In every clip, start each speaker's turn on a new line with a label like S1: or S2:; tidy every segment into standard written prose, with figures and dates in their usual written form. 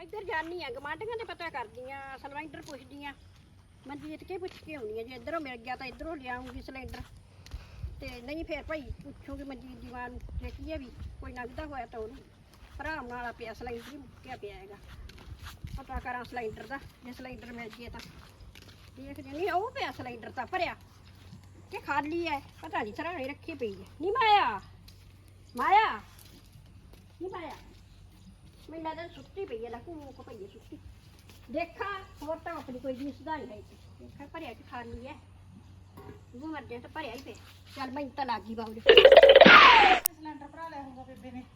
S1: ਇੱਧਰ ਜਾਨੀ ਆ ਗਮਾਂਡੀਆਂ ਤੇ ਪਤਾ ਕਰਦੀਆਂ ਸਿਲੰਡਰ ਪੁੱਛਦੀਆਂ ਮਨਜੀਤ ਕੇ ਪੁੱਛ ਕੇ ਆਉਣੀ ਆ ਜੇ ਇੱਧਰੋਂ ਮਿਲ ਗਿਆ ਤਾਂ ਇੱਧਰੋਂ ਲਿਆਉਂਗੀ ਸਿਲੰਡਰ ਤੇ ਨਹੀਂ ਫਿਰ ਭਾਈ ਪੁੱਛੂਗੀ ਮਨਜੀਤ ਦੀ ਮਾਂ ਨੂੰ ਦੇਖੀਏ ਵੀ ਕੋਈ ਲੱਗਦਾ ਹੋਇਆ ਤਾਂ ਉਹਨੂੰ ਆਰਾਮ ਨਾਲ ਪਿਆ ਸਿਲੰਡਰ ਹੀ ਮੁੱਕਿਆ ਪਿਆ ਹੈਗਾ ਪਤਾ ਕਰਾਂ ਸਿਲੰਡਰ ਦਾ ਜੇ ਸਿਲੰਡਰ ਮਿਲ ਜੇ ਤਾਂ ਦੇਖਦੇ ਨਹੀਂ ਉਹ ਪਿਆ ਸਿਲੰਡਰ ਤਾਂ ਭਰਿਆ ਕਿ ਖਾਲੀ ਹੈ ਪਤਾ ਨਹੀਂ ਸਰਾਣੇ ਰੱਖੀ ਪਈ ਹੈ ਨਹੀਂ ਮਾਇਆ ਮਾਇਆ ਨਹੀਂ ਮਾਇਆ ਮੈਨੂੰ ਲੱਗਦਾ ਸੁੱਤੀ ਪਈ ਹੈ ਨਾ ਕੋ ਪਈ ਹੈ ਸੁੱਤੀ ਦੇਖਾਂ ਹੋਰ ਤਾਂ ਆਪਣੀ ਕੋਈ ਦਿਸਦਾ ਨਹੀਂ ਹੈ ਦੇਖਾਂ ਭਰਿਆ ਕਿ ਖਾਲੀ ਹੈ ਉਹ ਮਰਦੇ ਤਾਂ ਭਰਿਆ ਹੀ ਪਿਆ ਚੱਲ ਮੈਂ ਤਾਂ ਲੱਗੀ ਬਾਬੂ
S2: ਸਿਲੰਡਰ ਭਰਾ ਲਿਆ ਹੋਊਗਾ ਬੇਬੇ ਨੇ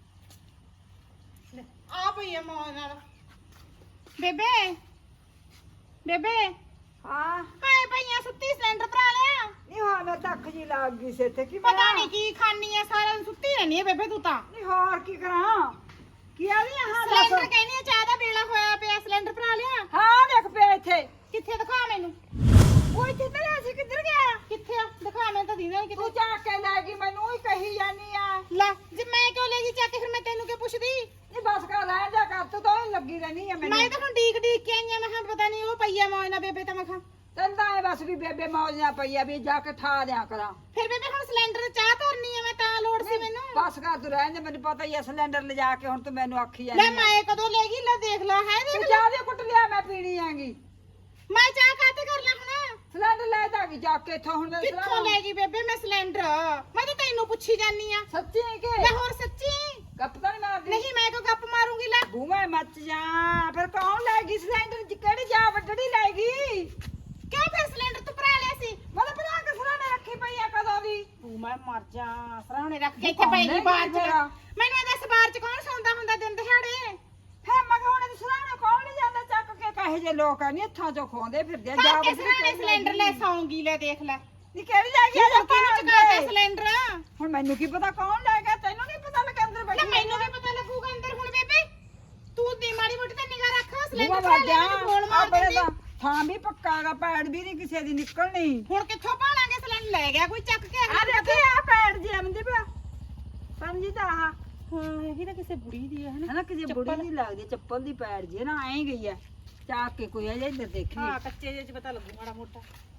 S2: ਲੈ ਆ ਪਈ ਆ ਮਾਂ ਨਾਲ ਬੇਬੇ ਬੇਬੇ
S3: ਹਾਂ
S2: ਹਾਏ ਪਈਆਂ ਸੁੱਤੀ ਸਿਲੰਡਰ ਭਰਾ ਲਿਆ
S3: ਨਹੀਂ ਹਾਂ ਮੈਂ ਤਾਂ ਅੱਖ ਜੀ ਲੱਗ ਗਈ ਸੀ ਇੱਥੇ ਕੀ
S2: ਪਤਾ ਨਹੀਂ ਕੀ ਖਾਣੀ ਆ ਸਾਰਾ ਦਿਨ ਸੁੱਤੀ ਰਹਿਣੀ ਆ ਬੇਬੇ ਤੂੰ ਤਾਂ
S3: ਨਹੀਂ ਹੋਰ ਕੀ ਕਰਾਂ ਕੀ ਆ ਵੀ ਹਾਂ
S2: ਸਿਲੰਡਰ ਕਹਿੰਦੀ ਆ ਚਾਹ ਦਾ ਵੇਲਾ ਹੋਇਆ ਪਿਆ ਸਿਲੰਡਰ ਭਰਾ ਲਿਆ
S3: ਹਾਂ ਦੇਖ ਪਿਆ ਇੱਥੇ
S2: ਕਿੱਥੇ ਦਿਖਾ ਮੈਨੂੰ
S3: ਉਹ ਇੱਥੇ ਤੇ ਅਸੀਂ ਕਿੱਧਰ ਗਿਆ
S2: ਕਿੱਥੇ ਆ ਦਿਖਾ ਮੈਨੂੰ ਤਾਂ ਦੀਦਾ
S3: ਤੂੰ
S2: ਕਿਤੇ
S3: ਜਾ ਕੇ ਲੈ ਗਈ ਮੈਨੂੰ ਹੀ ਕਹੀ ਜਾਨੀ ਆ
S2: ਲੈ ਜੇ ਮੈਂ ਕਿਉਂ ਲੈ ਗਈ ਚੱਕ ਕੇ ਫਿਰ ਮੈਂ ਤੈਨੂੰ ਕਿਉਂ ਪੁੱਛਦੀ
S3: ਨਹੀਂ ਬਸ ਕਰ ਲੈ ਜਾ ਕਰ ਤੂੰ ਤਾਂ ਹੀ ਲੱਗੀ ਰਹਿਣੀ ਆ ਮੈਨੂੰ
S2: ਮੈਂ ਤਾਂ ਹੁਣ ਡੀਕ ਡੀਕ ਕੇ ਆਈ ਆ ਮੈਂ ਕਿਹਾ ਪਤਾ ਨਹੀਂ ਉਹ ਪਈਆ ਮਾਂ ਨਾਲ ਬੇਬੇ ਤਾਂ ਮੈਂ ਕਿਹਾ
S3: ਤੈਨੂੰ ਤਾਂ ਇਹ ਬਸ ਵੀ ਬੇਬੇ ਮੌਜ ਨਾ ਪਈ ਆ ਵੀ ਜਾ ਕੇ ਠਾ ਦਿਆ ਕਰਾਂ
S2: ਫਿਰ ਬੇਬੇ ਹੁਣ ਸਿਲੰਡਰ ਚਾਹ ਧਰਨੀ ਆ ਮੈਂ ਤਾਂ ਲੋੜ ਸੀ ਮੈਨੂੰ
S3: ਬਸ ਕਰ ਤੂੰ ਰਹਿਣ ਦੇ ਮੈਨੂੰ ਪਤਾ ਹੀ ਆ ਸਿਲੰਡਰ ਲਿਜਾ ਕੇ ਹੁਣ ਤੂੰ ਮੈਨੂੰ ਆਖੀ
S2: ਲੈ
S3: ਜਾਨੀ ਆ
S2: ਮੈਂ ਕਦੋਂ ਲੈ ਗਈ ਲੈ ਦੇਖ ਲਾ ਹੈ
S3: ਤੂੰ
S2: ਦੇਖ
S3: ਜਾ ਦੇ ਕੁੱਟ ਲਿਆ ਮੈਂ ਪੀਣੀ ਆਂਗੀ
S2: ਮੈਂ ਚਾਹ ਕਾਤੇ ਕਰ ਲਾ ਹੁਣ
S3: ਸਿਲੰਡਰ ਲੈ ਦਾਂਗੀ ਜਾ ਕੇ ਇੱਥੋਂ ਹੁਣ ਮੈਂ
S2: ਕਿੱਥੋਂ ਲੈ ਗਈ ਬੇਬੇ ਮੈਂ ਸਿਲੰਡਰ ਮੈਂ ਤਾਂ ਤੈਨੂੰ ਪੁੱਛੀ ਜਾਨੀ ਆ
S3: ਸੱਚੀ ਕਿ
S2: ਲੈ ਹੋਰ ਸੱਚੀ
S3: ਗੱਪ ਤਾਂ ਨਹੀਂ ਮਾਰਦੀ
S2: ਨਹੀਂ ਮੈਂ ਕਿਉਂ ਗੱਪ ਮਾਰੂੰਗੀ ਲੈ
S3: ਬੂਮੇ ਮੱਚ ਜਾ ਫਿਰ ਕੌਣ ਲੈ ਗਈ ਸਿਲੰਡਰ ਚ ਕਿਹੜੀ ਜਾ ਵੱਡੜੀ ਲੈ ਗਈ
S2: ਕਿਉਂ ਫਿਰ ਸਿਲੰਡਰ ਤੂੰ ਭਰਾ ਲਿਆ ਸੀ
S3: ਮਤਲਬ ਬਣਾ ਕੇ ਸਰਾਣੇ ਰੱਖੀ ਪਈ ਆ ਕਦੋਂ ਦੀ
S2: ਤੂੰ ਮੈਂ ਮਰ ਜਾ ਸਰਾਣੇ ਰੱਖ ਕੇ ਇੱਥੇ ਪਈ ਨਹੀਂ ਬਾਹਰ ਚ ਮੈਨੂੰ ਇਹ ਦੱਸ ਬਾਹਰ ਚ ਕੌਣ ਸੌਂਦਾ ਹੁੰਦਾ ਦਿਨ ਦਿਹਾੜੇ
S3: ਫੇ ਮਗਾਉਣੇ ਦੇ ਸਰਾਣੇ ਕੌਣ ਨਹੀਂ ਜਾਂਦਾ ਚੱਕ ਕੇ ਕਹੇ ਜੇ ਲੋਕ ਆ ਨਹੀਂ ਇੱਥੋਂ ਚੋਂ ਖੋਂਦੇ ਫਿਰਦੇ ਆ,
S2: ਜਾ
S3: ਜਾ
S2: ਕੇ ਸਰਾਣੇ ਸਿਲੰਡਰ ਲੈ ਸੌਂਗੀ ਲੈ ਦੇਖ ਲੈ
S3: ਨੀ ਕਿਹੜੀ ਲੈ ਗਈ ਆ
S2: ਕਿਹਨੂੰ ਚੁਕਾਤਾ ਸਿਲੰਡਰ
S3: ਹੁਣ ਮੈਨੂੰ ਕੀ ਪਤਾ ਕੌਣ ਲੈ ਗਿਆ ਤੈਨੂੰ ਨਹੀਂ ਪਤਾ ਲੱਗਾ ਅੰਦਰ
S2: ਲੈ
S3: ਬੈਠੀ
S2: ਮੈਨੂੰ ਵੀ ਪਤਾ ਲੱਗੂਗਾ ਅੰਦਰ ਹੁਣ ਬੇਬੇ ਤੂੰ ਦੀ ਮਾੜੀ ਮੋਟੀ ਤਾਂ ਨਿਗਾਹ ਰੱਖ
S3: ਬੂਮਾ
S2: ਸਿਲੰਡਰ ਭਰਾ
S3: ਵੱਜ
S2: ਲਿਆ
S3: ਜਾ
S2: ਮੈਨੂੰ ਗੋਲ
S3: ਆ
S2: ਮਾਰ
S3: ਬੜੇ
S2: ਦਿੰਦੀ
S3: ਦਾ ਥਾਂ ਵੀ ਪੱਕਾ ਗਾ ਪੈੜ ਵੀ ਨਹੀਂ ਕਿਸੇ ਦੀ ਨਿਕਲਣੀ
S2: ਹੁਣ ਕਿੱਥੋਂ ਭਾਲਾਂਗੇ ਸਿਲੰਡਰ ਲੈ ਗਿਆ ਕੋਈ ਚੱਕ ਕੇ
S3: ਆ ਦੇਖੇ ਆ ਪੈੜ ਜੇ ਆਉਂਦੇ ਪਿਆ ਸਮਝੀ ਤਾਂ ਆਹ
S2: ਹਾਂ ਇਹ ਤਾਂ ਕਿਸੇ ਬੁੜੀ ਦੀ ਹੈ
S3: ਹਨਾ ਕਿਸੇ ਬੁੜੀ ਦੀ ਲੱਗਦੀ ਚੱਪਲ ਦੀ ਪੈੜ ਜੇ ਨਾ ਐਂ ਗਈ ਆ ਚਾਕ ਕੇ ਕੋਈ ਅਜੇ ਇੱਧਰ ਦੇਖੀ
S2: ਹਾਂ ਕੱਚੇ ਜਿਹੇ ਚ ਪਤਾ ਲੱਗੂ ਮਾੜਾ ਮੋਟਾ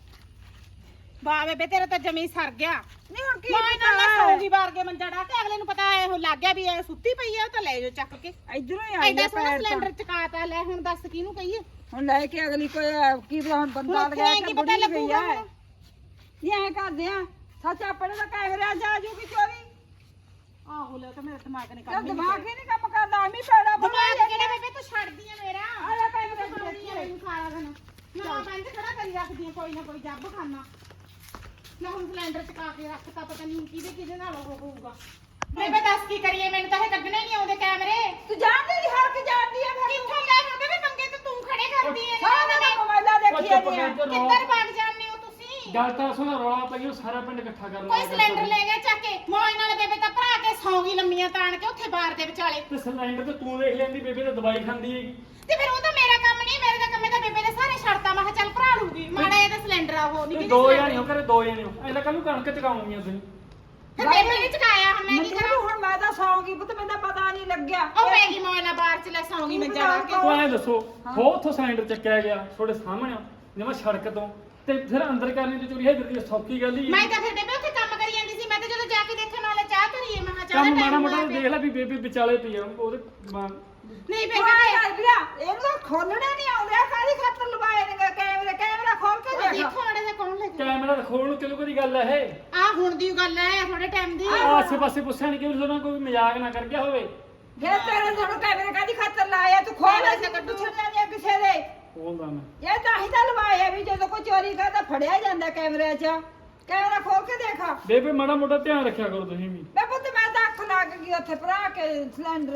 S2: ਵਾਹ ਬੇਬੇ ਤੇਰਾ ਤਾਂ ਜਮੀ ਸਰ ਗਿਆ
S3: ਨਹੀਂ ਹੁਣ ਕੀ
S2: ਮੈਂ ਨਾਲ ਸੌਂਗੀ ਬਾਰ ਕੇ ਮੰਜਾ ਡਾ ਕੇ ਅਗਲੇ ਨੂੰ ਪਤਾ ਇਹੋ ਲੱਗ ਗਿਆ ਵੀ ਇਹ ਸੁੱਤੀ ਪਈ ਆ ਉਹ ਤਾਂ ਲੈ ਜਾਓ ਚੱਕ ਕੇ
S3: ਇਧਰੋਂ ਹੀ ਆਈ
S2: ਐਡਾ
S3: ਆ
S2: ਸੋਹਣਾ
S3: ਪੈੜ
S2: ਸਿਲੰਡਰ
S3: ਤਾਂ
S2: ਚਕਾਤਾ ਲੈ ਹੁਣ ਦੱਸ ਕਿਹਨੂੰ ਕਹੀਏ
S3: ਹੁਣ ਲੈ ਕੇ ਅਗਲੀ ਕੋਈ ਕੀ ਪਤਾ ਹੁਣ ਬੰਦਾ
S2: ਹੁਣ
S3: ਲਗਾ
S2: ਕੀ
S3: ਕੇ
S2: ਪਤਾ
S3: ਬੁੜੀ ਗਈ
S2: ਲੱਗੂਗਾ
S3: ਆ
S2: ਹੁਣ।
S3: ਇਹ ਐ ਕਰਦੇ ਆ ਸੱਚ ਆਪਣੇ ਦਾ ਕੈਮਰਾ ਜਾ ਜੂਗੀ ਚੋਰੀ
S2: ਆਹੋ ਲੈ ਤਾਂ ਮੇਰਾ ਦਿਮਾਗ ਨੇ
S3: ਤੇ
S2: ਕੰਮ ਨਹੀਂ
S3: ਦਿਮਾਗ ਹੀ ਨਹੀਂ ਕੰਮ ਕਰਦਾ ਆਮੀ ਪੈੜਾ
S2: ਦਿਮਾਗ ਕਿਹੜਾ ਬੇਬੇ ਤੂੰ ਛੱਡਦੀ ਆ ਮੇਰਾ
S3: ਆ ਲੈ ਕੈਮਰਾ
S2: ਖਾਣੀ ਆ ਮੈਨੂੰ ਖਾਣਾ ਦੇਣਾ ਮੈਂ ਬੰਦ ਖੜਾ ਕਰੀ ਰੱਖਦੀ ਆ ਕੋਈ ਨਾ ਕੋਈ ਜੱਬ ਖਾਣਾ ਮੈਂ ਹੁਣ ਸਿਲੰਡਰ ਚਕਾ ਕੇ ਰੱਖਤਾ ਪਤਾ ਨਹੀਂ ਕਿਹਦੇ ਨਾਲ ਉਹ ਹੋਊਗਾ ਬੇਬੇ ਦੱਸ ਕੀ ਕਰੀਏ ਮੈਨੂੰ ਤਾਂ ਇਹ ਕੱਢਣੇ ਨਹੀਂ ਆਉਂਦੇ ਕੈਮਰੇ
S3: ਤੂੰ ਜਾਣਦੀ ਨਹੀਂ ਹਰ ਕੇ ਜਾਣਦੀ ਆ ਫਿਰ
S2: ਕਿੱਥੋਂ ਲੈ ਹੁੰਦੇ ਵੀ ਮੰਗੇ ਤੇ ਤੂੰ ਖੜੇ ਕਰਦੀ ਐ
S3: ਸਾਰਾ ਦਿਨ ਮੋਬਾਈਲਾਂ ਦੇਖੀ ਜਾਂਦੀ ਆ
S2: ਕਿੱਧਰ ਭੱਜ ਜਾਂਦੇ ਹੋ ਤੁਸੀਂ
S4: ਗੱਲ ਤਾਂ ਸੁਣਾ ਰੌਲਾ ਪਈ ਉਹ ਸਾਰਾ ਪਿੰਡ ਇਕੱਠਾ ਕਰ
S2: ਕੋਈ ਸਿਲੰਡਰ ਲੈ ਗਿਆ ਚੱਕ ਕੇ ਮੌਜ ਨਾਲ ਬੇਬੇ ਤਾਂ ਭਰਾ ਕੇ ਸੌਂਗੀ ਲੰਮੀਆਂ ਤਾਣ ਕੇ ਉੱਥੇ ਬਾਰ ਦੇ ਵਿਚਾਲੇ
S4: ਤੇ ਸਿਲੰਡਰ ਤੇ ਤੂੰ ਦੇਖ ਲੈਂਦੀ ਬੇਬੇ ਤਾਂ ਦਵਾਈ ਖਾਂਦੀ ਹੈਗੀ
S2: ਤੇ ਫਿਰ ਉਹ ਤਾਂ ਮੇਰਾ ਕੰਮ ਨਹੀਂ ਮੇਰੇ ਦਾ ਕੰਮ ਹੈ ਤਾਂ ਬੇਬੇ ਨੇ ਸਾਰੇ ਛੱਡਤਾ ਮੈਂ ਕਿਹਾ ਚੱਲ ਭਰਾ ਲੂਗੀ ਮਾੜਾ ਇਹਦਾ ਸਿਲੰਡਰ ਆ ਉਹ
S4: ਤੇ
S2: ਨਹੀਂ
S4: ਦੋ ਜਾਣੇ ਹੋ ਕਰੇ ਦੋ ਜਾਣੇ ਹੋ ਐਂ ਤਾਂ ਕੱਲ ਨੂੰ ਕਣਕ ਚਕਾਉਣੀਆਂ ਤੁਸੀਂ
S2: ਫਿਰ ਬੇਬੇ ਨੇ ਚਕਾਇਆ ਹੁਣ ਮੈਂ ਕੀ ਕਰਾਂ
S3: ਮੈਨੂੰ ਹੁਣ ਮੈਂ ਤਾਂ ਸੌਂਗੀ ਪੁੱਤ ਮੈਨੂੰ ਤਾਂ ਪਤਾ ਨਹੀਂ ਲੱਗਿਆ
S2: ਉਹ ਪੈ ਗਈ ਮੌਜ ਨਾਲ ਬਾਹਰ ਚ ਲੈ ਸੌਂਗੀ ਮੰਜਾ ਲਾ ਕੇ
S4: ਤੂੰ ਐਂ ਦੱਸੋ ਹੋ ਉੱਥੋਂ ਸਿਲੰਡਰ ਚੱਕਿਆ ਗਿਆ ਤੁਹਾਡੇ ਸਾਹਮਣੇ ਜਿਵੇਂ ਸੜਕ ਤੋਂ ਤੇ ਫਿਰ ਅੰਦਰ ਕਰਨੀ ਤੇ ਚੋਰੀ ਹੈ ਦੀ ਸੌਖੀ ਗੱਲ ਹੀ
S2: ਮੈਂ ਤਾਂ ਫਿਰ ਬੇਬੇ ਉੱਥੇ ਕੰਮ ਕਰੀ ਜਾਂਦੀ ਸੀ ਮੈਂ ਤਾਂ ਜਦੋਂ ਜਾ ਕੇ ਦੇਖਣ ਵਾਲੇ ਚਾਹ ਧਰੀਏ ਮੈਂ ਕਿਹਾ ਚਾਹ
S4: ਕੰਮ
S2: ਦਾ
S4: ਮਾੜਾ
S2: ਟਾਈਮ
S4: ਮੋਟਾ ਦੇਖ ਲੈ ਵੀ ਬੇਬੇ ਵਿਚਾਲੇ ਪਈ ਆ ਉਹਦੇ
S2: ਨਹੀਂ ਬੇਬੇ
S3: ਵੀਰਾ ਇਹਨੂੰ ਤਾਂ ਖੋਲਣੇ ਨਹੀਂ ਆਉਂਦੇ ਆ ਕਾਹਦੀ ਖਾਤਰ ਲਵਾਏ ਨੇ ਕੈਮਰਾ ਖੋਲ ਕੇ ਦੇਖ
S2: ਦੇਖੋ ਮਾੜਾ ਜਿਹਾ ਕੌਣ ਲੈ ਗਿਆ
S4: ਕੈਮਰਾ ਖੋਲ ਨੂੰ ਕਿਲੋ ਦੀ ਗੱਲ ਹੈ ਇਹ
S2: ਆ ਹੁਣ ਦੀ ਗੱਲ ਹੈ ਥੋੜੇ ਟਾਈਮ ਦੀ
S4: ਆਸੇ ਪਾਸੇ ਪੁੱਛਿਆ ਨਹੀਂ ਕਿ ਉਹਨਾਂ ਕੋਈ ਮਜ਼ਾਕ ਨਾ ਕਰ ਗਿਆ ਹੋਵੇ
S3: ਜੇ ਤੇਰੇ ਸਾਨੂੰ ਕੈਮਰੇ ਕਾਹਦੀ ਖਾਤਰ ਲਾਇਆ ਤੂੰ ਖੋਲ ਐਸੇ ਕੱਢੂ ਛੱਡਿਆ ਕਿਸੇ ਦੇ
S4: ਬੋਲਦਾ ਮੈਂ
S3: ਇਹ ਤਾਂ ਹੀ ਤਾਂ ਲਵਾਇਆ ਵੀ ਜਦੋਂ ਕੋਈ ਚੋਰੀ ਕਰਦਾ ਫੜਿਆ ਜਾਂਦਾ ਕੈਮਰੇ 'ਚ ਕੈਮਰਾ ਖੋਲ ਕੇ ਦੇਖਾ
S4: ਬੇਬੇ ਮਾੜਾ ਮੋਟਾ ਧਿਆਨ ਰੱਖਿਆ ਕਰੋ ਤੁਸੀਂ ਵੀ
S3: ਮੈਂ ਪੁੱਤ ਮੈਂ ਤਾਂ ਅੱਖ ਲੱਗ ਗਈ ਉੱਥੇ ਭਰਾ ਕੇ ਸਿਲੰਡਰ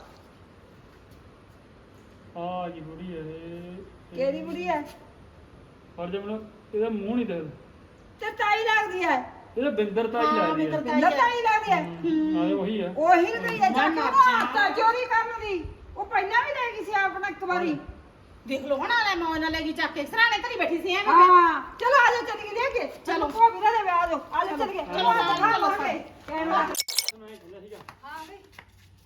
S4: ਆ ਜੀ ਬੁੜੀ ਹੈ ਇਹ
S3: ਕਿਹੜੀ ਬੁੜੀ ਹੈ
S4: ਪਰ ਜੇ ਮੈਨੂੰ ਇਹਦਾ ਮੂੰਹ ਨਹੀਂ ਦਿਖਦਾ
S3: ਤੇ ਤਾਈ ਲੱਗਦੀ ਹੈ
S4: ਇਹਦਾ ਬਿੰਦਰ ਤਾਈ ਲੱਗਦੀ ਹੈ
S3: ਬਿੰਦਰ ਤਾਈ ਲੱਗਦੀ ਹੈ
S4: ਹਾਂ ਇਹ ਉਹੀ ਹੈ
S3: ਉਹੀ ਨਹੀਂ ਹੈ ਜਾ ਕੇ ਚੋਰੀ ਕਰਨ ਦੀ ਉਹ ਪਹਿਲਾਂ ਵੀ ਲੈ ਗਈ ਸੀ ਆਪਣਾ ਇੱਕ ਵਾਰੀ
S2: ਦੇਖ ਲਓ ਹੁਣ ਆਲੇ ਮੌਜ ਨਾਲ ਲੈ ਗਈ ਚੱਕ ਕੇ ਸਰਾਣੇ ਧਰੀ ਬੈਠੀ ਸੀ ਐਵੇਂ
S3: ਹਾਂ ਚਲੋ ਆ ਜਾਓ ਚੱਲ ਲੈ ਕੇ
S2: ਚਲੋ।
S3: ਕੋ ਵੀਰਾ ਦੇ ਵਿਆਹ ਦੋ ਆ ਜਾਓ ਚੱਲ ਕੇ
S2: ਚਲੋ,
S3: ਆ
S2: ਚਲੋ,
S3: ਕੇ ਕੈਮਰਾ
S4: ਸੁਣਾਈ ਖੁੱਲਿਆ ਸੀਗਾ
S3: ਹਾਂ ਵੀ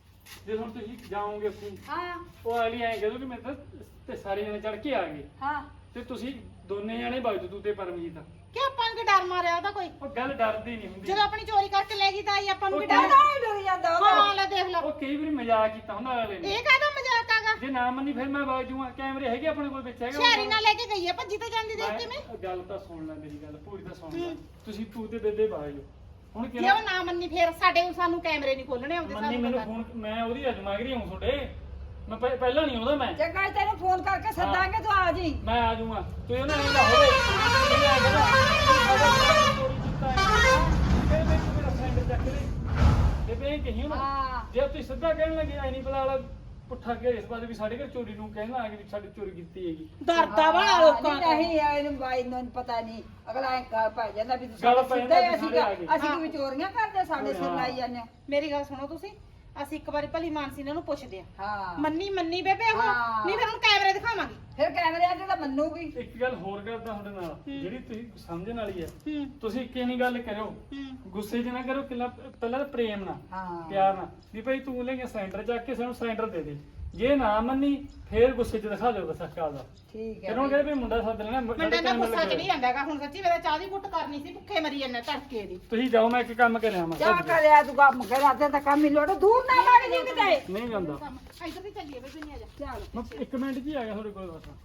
S4: ਜੇ ਹੁਣ ਤੁਸੀਂ ਜਾਓਗੇ ਉੱਥੇ
S1: ਹਾਂ
S4: ਉਹ ਅਗਲੀ ਐਂ ਕਹਦੋ ਕਿ ਮੈਂ ਤਾਂ ਤੇ ਸਾਰੇ ਜਣੇ ਚੜ ਕੇ ਆ ਗਏ
S1: ਹਾਂ
S4: ਤੇ ਤੁਸੀਂ ਦੋਨੇ ਜਣੇ ਵਗ ਜਾਓ ਤੂੰ ਤੇ ਪਰਮਜੀਤ।
S2: ਕਿ ਆਪਾਂ ਨੂੰ ਕੀ ਡਰ ਮਾਰਿਆ ਉਹਦਾ ਕੋਈ?
S4: ਉਹ ਗੱਲ ਡਰਦੀ ਨਹੀਂ ਹੁੰਦੀ।
S2: ਜਦੋਂ ਆਪਣੀ ਚੋਰੀ ਕਰਕੇ ਲੈ ਗਈ ਤਾਂ ਆਈ ਆਪਾਂ ਨੂੰ ਕੀ
S3: ਡਰ
S2: ਡਰ?
S3: ਡਰ ਜਾਂਦਾ ਉਹਦਾ।
S2: ਹਾਂ ਲੈ ਦੇਖ ਲਓ,
S4: ਉਹ ਕਈ ਵਾਰੀ ਮਜ਼ਾਕ ਕੀਤਾ ਹੁੰਦਾ ਅਗਲੇ ਨੇ।
S2: ਇਹ ਕਾਹਦਾ ਮਜ਼ਾਕ ਆਗਾ?
S4: ਜੇ ਨਾ ਮੰਨੀ ਫਿਰ ਮੈਂ ਵਗ ਜਾਊਂਗਾ। ਕੈਮਰੇ ਹੈਗੇ ਆਪਣੇ ਕੋਲ ਵਿੱਚ ਹੈਗਾ।
S2: ਸ਼ਹਿਰੀ ਨਾਲ ਲੈ ਕੇ ਗਈ ਆ ਭੱਜੀ ਤਾਂ ਜਾਂਦੀ ਦੇਖ ਕੇ ਮੈਂ।
S4: ਗੱਲ ਤਾਂ ਸੁਣ ਲੈ ਮੇਰੀ ਗੱਲ ਪੂਰੀ ਤਾਂ ਸੁਣ ਲੈ। ਤੁਸੀਂ ਤੂੰ ਤੇ ਬੇਬੇ ਵਗ ਜਾਓ ਹੁਣ
S2: ਜੇ
S4: ਕਿਹੜਾ
S2: ਉਹ ਨਾ ਮੰਨੀ ਫੇਰ ਸਾਨੂੰ ਕੈਮਰੇ ਨਹੀਂ ਖੋਲਣੇ ਆਉਂਦੇ
S4: ਮੰਨੀ
S2: ਸਾਨੂੰ
S4: ਮੈਨੂੰ
S2: ਪਤਾ।
S4: ਫੋਨ ਮੈਂ ਉਹਦੀ ਅਜਮਾਗਰੀ ਹੂੰ ਤੁਹਾਡੇ ਮੈਂ ਪਹਿਲਾਂ ਨਹੀਂ ਆਉਂਦਾ ਮੈਂ
S3: ਚੰਗਾ ਤੈਨੂੰ ਫੋਨ ਕਰਕੇ ਸੱਦਾਂਗੇ ਤੂੰ ਆ ਜੀ।
S4: ਮੈਂ ਆ ਜਾਊਂਗਾ ਤੂੰ ਇਹਨਾਂ ਨੇ ਨਾ ਹੋਵੇ ਇਹ ਆ ਗਿਆ ਚੋਰੀ ਕੀਤਾ ਹੈ ਫਿਰ ਮੈਂ ਮੇਰਾ ਫਰੈਂਡ ਚੱਕ ਲੈ ਬੇਬੇ ਇਹ ਕਹੀ ਨਾ
S3: ਹਾਂ
S4: ਜੇ ਤੁਸੀਂ ਸਿੱਧਾ ਕਹਿਣ ਲੱਗੇ ਐ ਨਹੀਂ ਪਤਾ ਵਾਲਾ ਪੁੱਠਾ ਕੇ ਇਸ ਬਾਰੇ ਵੀ ਸਾਡੇ ਘਰ ਚੋਰੀ ਨੂੰ ਕਹਿਣ ਲੱਗੇ ਵੀ ਸਾਡੀ ਚੋਰੀ ਕੀਤੀ ਹੈਗੀ।
S2: ਡਰਦਾ ਵਾਲਾ ਲੋਕਾਂ
S3: ਨਹੀਂ ਨਹੀਂ ਇਹਨੂੰ ਬਾਈ ਨੂੰ ਪਤਾ ਨਹੀਂ ਅਗਲਾ ਐ ਗੱਲ ਪੈ ਜਾਂਦਾ ਵੀ ਤੁਸੀਂ
S4: ਗੱਲ ਪੈ ਜਾਂਦਾ ਵੀ
S3: ਅਸੀਂ
S4: ਸਾਰੇ ਆ ਗਏ।
S3: ਅਸੀਂ ਕਿ ਚੋਰੀਆਂ ਕਰਦੇ ਸਾਡੇ ਸਿਰ ਲਾਈ ਜਾਂਦੇ ਹੋ।
S2: ਮੇਰੀ ਗੱਲ ਸੁਣੋ ਤੁਸੀਂ, ਅਸੀਂ ਇੱਕ ਵਾਰੀ ਭਲੀ ਮਾਨਸੀ ਇਹਨਾਂ ਨੂੰ ਪੁੱਛਦੇ ਆ।
S3: ਹਾਂ
S2: ਮੰਨੀ ਬੇਬੇ ਉਹ
S3: ਹਾਂ।
S2: ਨਹੀਂ ਫਿਰ ਹੁਣ ਕੈਮਰੇ ਦਿਖਾਵਾਂਗੇ।
S3: ਫਿਰ ਕੈਮਰਿਆਂ ਤੇ ਤਾਂ ਮੰਨੂਗੀ।
S4: ਇੱਕ ਗੱਲ ਹੋਰ ਕਰਦਾ ਤੁਹਾਡੇ ਨਾਲ ਜਿਹੜੀ ਤੁਸੀਂ ਸਮਝਣ ਵਾਲੀ ਹੈ
S2: ਹੂੰ
S4: ਤੁਸੀਂ ਇੱਕੇ ਨਹੀਂ ਗੱਲ ਕਰਿਓ
S2: ਹੂੰ
S4: ਗੁੱਸੇ 'ਚ ਨਾ ਕਰੋ ਕਿੰਨਾ ਪਹਿਲਾਂ ਤਾਂ ਪ੍ਰੇਮ ਨਾਲ
S3: ਹਾਂ
S4: ਪਿਆਰ ਨਾਲ ਵੀ ਭਾਈ ਤੂੰ ਲੈ ਕੇ ਸਿਲੰਡਰ ਚੱਕ ਕੇ ਸਾਨੂੰ ਸਿਲੰਡਰ ਦੇ ਦੇ ਜੇ ਨਾ ਮੰਨੀ ਫੇਰ ਗੁੱਸੇ 'ਚ ਦਿਖਾ ਦਿਓ ਬਸ ਅੱਕਾ ਦਾ
S3: ਠੀਕ ਹੈ
S4: ਫਿਰ ਹੁਣ ਕਹਿੰਦੇ ਵੀ ਮੁੰਡਾ ਸੱਦ ਲੈਣਾ
S2: ਮੁੰਡੇ ਦਾ ਗੁੱਸਾ ਚੜੀ ਜਾਂਦਾਗਾ। ਹੁਣ ਸੱਚੀ ਮੇਰਾ ਚਾਹ ਦੀ ਘੁੱਟ ਕਰਨੀ ਸੀ, ਭੁੱਖੇ ਮਰੀ ਜਾਂਦੇ ਧੜਕੇ ਦੀ।
S4: ਤੁਸੀਂ ਜਾਓ ਮੈਂ ਇੱਕ ਕੰਮ ਕਰਿਆ ਮੈਂ
S3: ਜਾ ਕਰਿਆ ਤੂੰ ਕੰਮ ਕਰਿਆ ਤੇ ਕੰਮ ਹੀ ਲੋੜ ਦੂਰ ਨਾ ਲੱਗ ਜੀ ਕਿਤੇ।
S4: ਨਹੀਂ ਜਾਂਦਾ
S2: ਕੰਮ ਇੱਧਰ ਵੀ ਚੱਲੀਏ ਬੇਬੇ ਨਹੀਂ ਆ ਜਾ।
S3: ਚੱਲ
S4: ਮੈਂ 1 ਮਿੰਟ 'ਚ ਹੀ ਆ ਗਿਆ ਤੁਹਾਡੇ ਕੋਲ ਬਸ।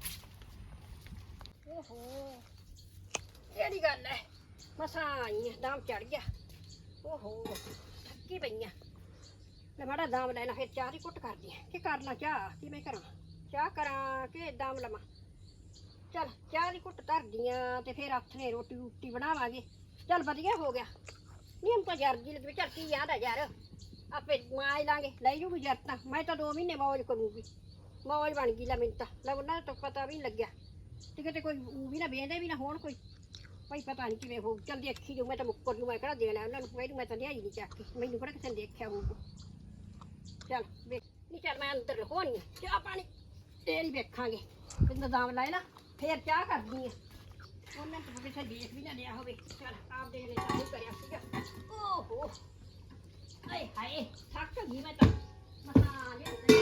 S1: ਓਹੋ ਕਿਹੜੀ ਗੱਲ ਹੈ ਮਸਾਂ ਆਈ ਆਂ, ਦਾਮ ਚੜ ਗਿਆ। ਓਹੋ ਥੱਕੀ ਪਈ ਆ। ਲੈ ਮਾੜਾ ਦਾਮ ਲੈ ਲਾ ਫਿਰ ਚਾਹ ਦੀ ਕੁੱਟ ਕਰਦੀ ਆ ਕਿ ਕਰ ਲਾਂ ਚਾਹ ਕਿਵੇਂ ਕਰਾਂ ਚਾਹ ਕਰਾਂ ਕਿ ਦਾਮ ਲਵਾਂ। ਚੱਲ ਚਾਹ ਦੀ ਕੁੱਟ ਧਰਦੀ ਆਂ ਤੇ ਫਿਰ ਆਥਣੇ ਰੋਟੀ ਬਣਾਵਾਂਗੇ। ਚੱਲ ਵਧੀਆ ਹੋ ਗਿਆ ਨਹੀਂ ਹਮ ਤਾਂ ਯਾਰ ਜੀ ਲੱਗੇ ਚੱਲ ਕੀ ਯਾਦ ਆ ਯਾਰ ਆਪੇ ਮਾਜ ਲਾਂਗੇ ਲੈ ਜੂਗੀ ਯਾਰ ਤਾਂ ਮੈਂ ਤਾਂ 2 ਮਹੀਨੇ ਮੌਜ ਕਰੂੰਗੀ। ਮੌਜ ਬਣ ਗਈ ਲੈ ਮੈਨੂੰ ਤਾਂ ਲੈ ਉਹਨਾਂ ਤਾਂ ਪਤਾ ਵੀ ਨਹੀਂ ਲੱਗਿਆ ਤੇ ਕਿਤੇ ਕੋਈ ਊਂ ਵੀ ਨਾ ਵੇਂਦੇ ਵੀ ਨਾ ਹੋਣ ਕੋਈ ਭਾਈ ਪਤਾ ਨਹੀਂ ਕਿਵੇਂ ਹੋ ਚੱਲ ਦੇਖੀ ਜੋ ਮੈਂ ਤਾਂ ਮੁੱਕਰ ਨੂੰ ਮੈਂ ਕਿਹੜਾ ਦੇਣਾ ਉਹਨਾਂ ਨੂੰ ਮੈਂ ਤਾਂ ਲਿਆਈ ਨਹੀਂ ਚੱਕ ਕੇ ਮੈਨੂੰ ਕਿਹੜਾ ਕਿਸੇ ਨੇ ਦੇਖਿਆ ਹੋਊਗਾ। ਚੱਲ ਵੇਖ ਨਹੀਂ ਚੱਲ ਮੈਂ ਅੰਦਰ ਹੋਣੀ ਚਾਹ ਪਾਣੀ ਤੇਰੀ ਵੇਖਾਂਗੇ ਕਿੰਨਾ ਦਾਮ ਲਾਏ ਨਾ ਫੇਰ ਚਾਹ ਕਰਦੀ ਆ ਉਹਨਾਂ ਤੋਂ ਕਿਸੇ ਦੇਖ ਵੀ ਨਾ ਲਿਆ ਹੋਵੇ। ਚੱਲ ਆਪ ਦੇ ਲੈ ਚਾਹੂ ਕਰਿਆ ਸੀਗਾ। ਓਹੋ ਆਏ ਹਾਏ ਥੱਕ ਗਈ ਮੈਂ ਤਾਂ ਮਸਾਂ ਲਿਆ ਤੇ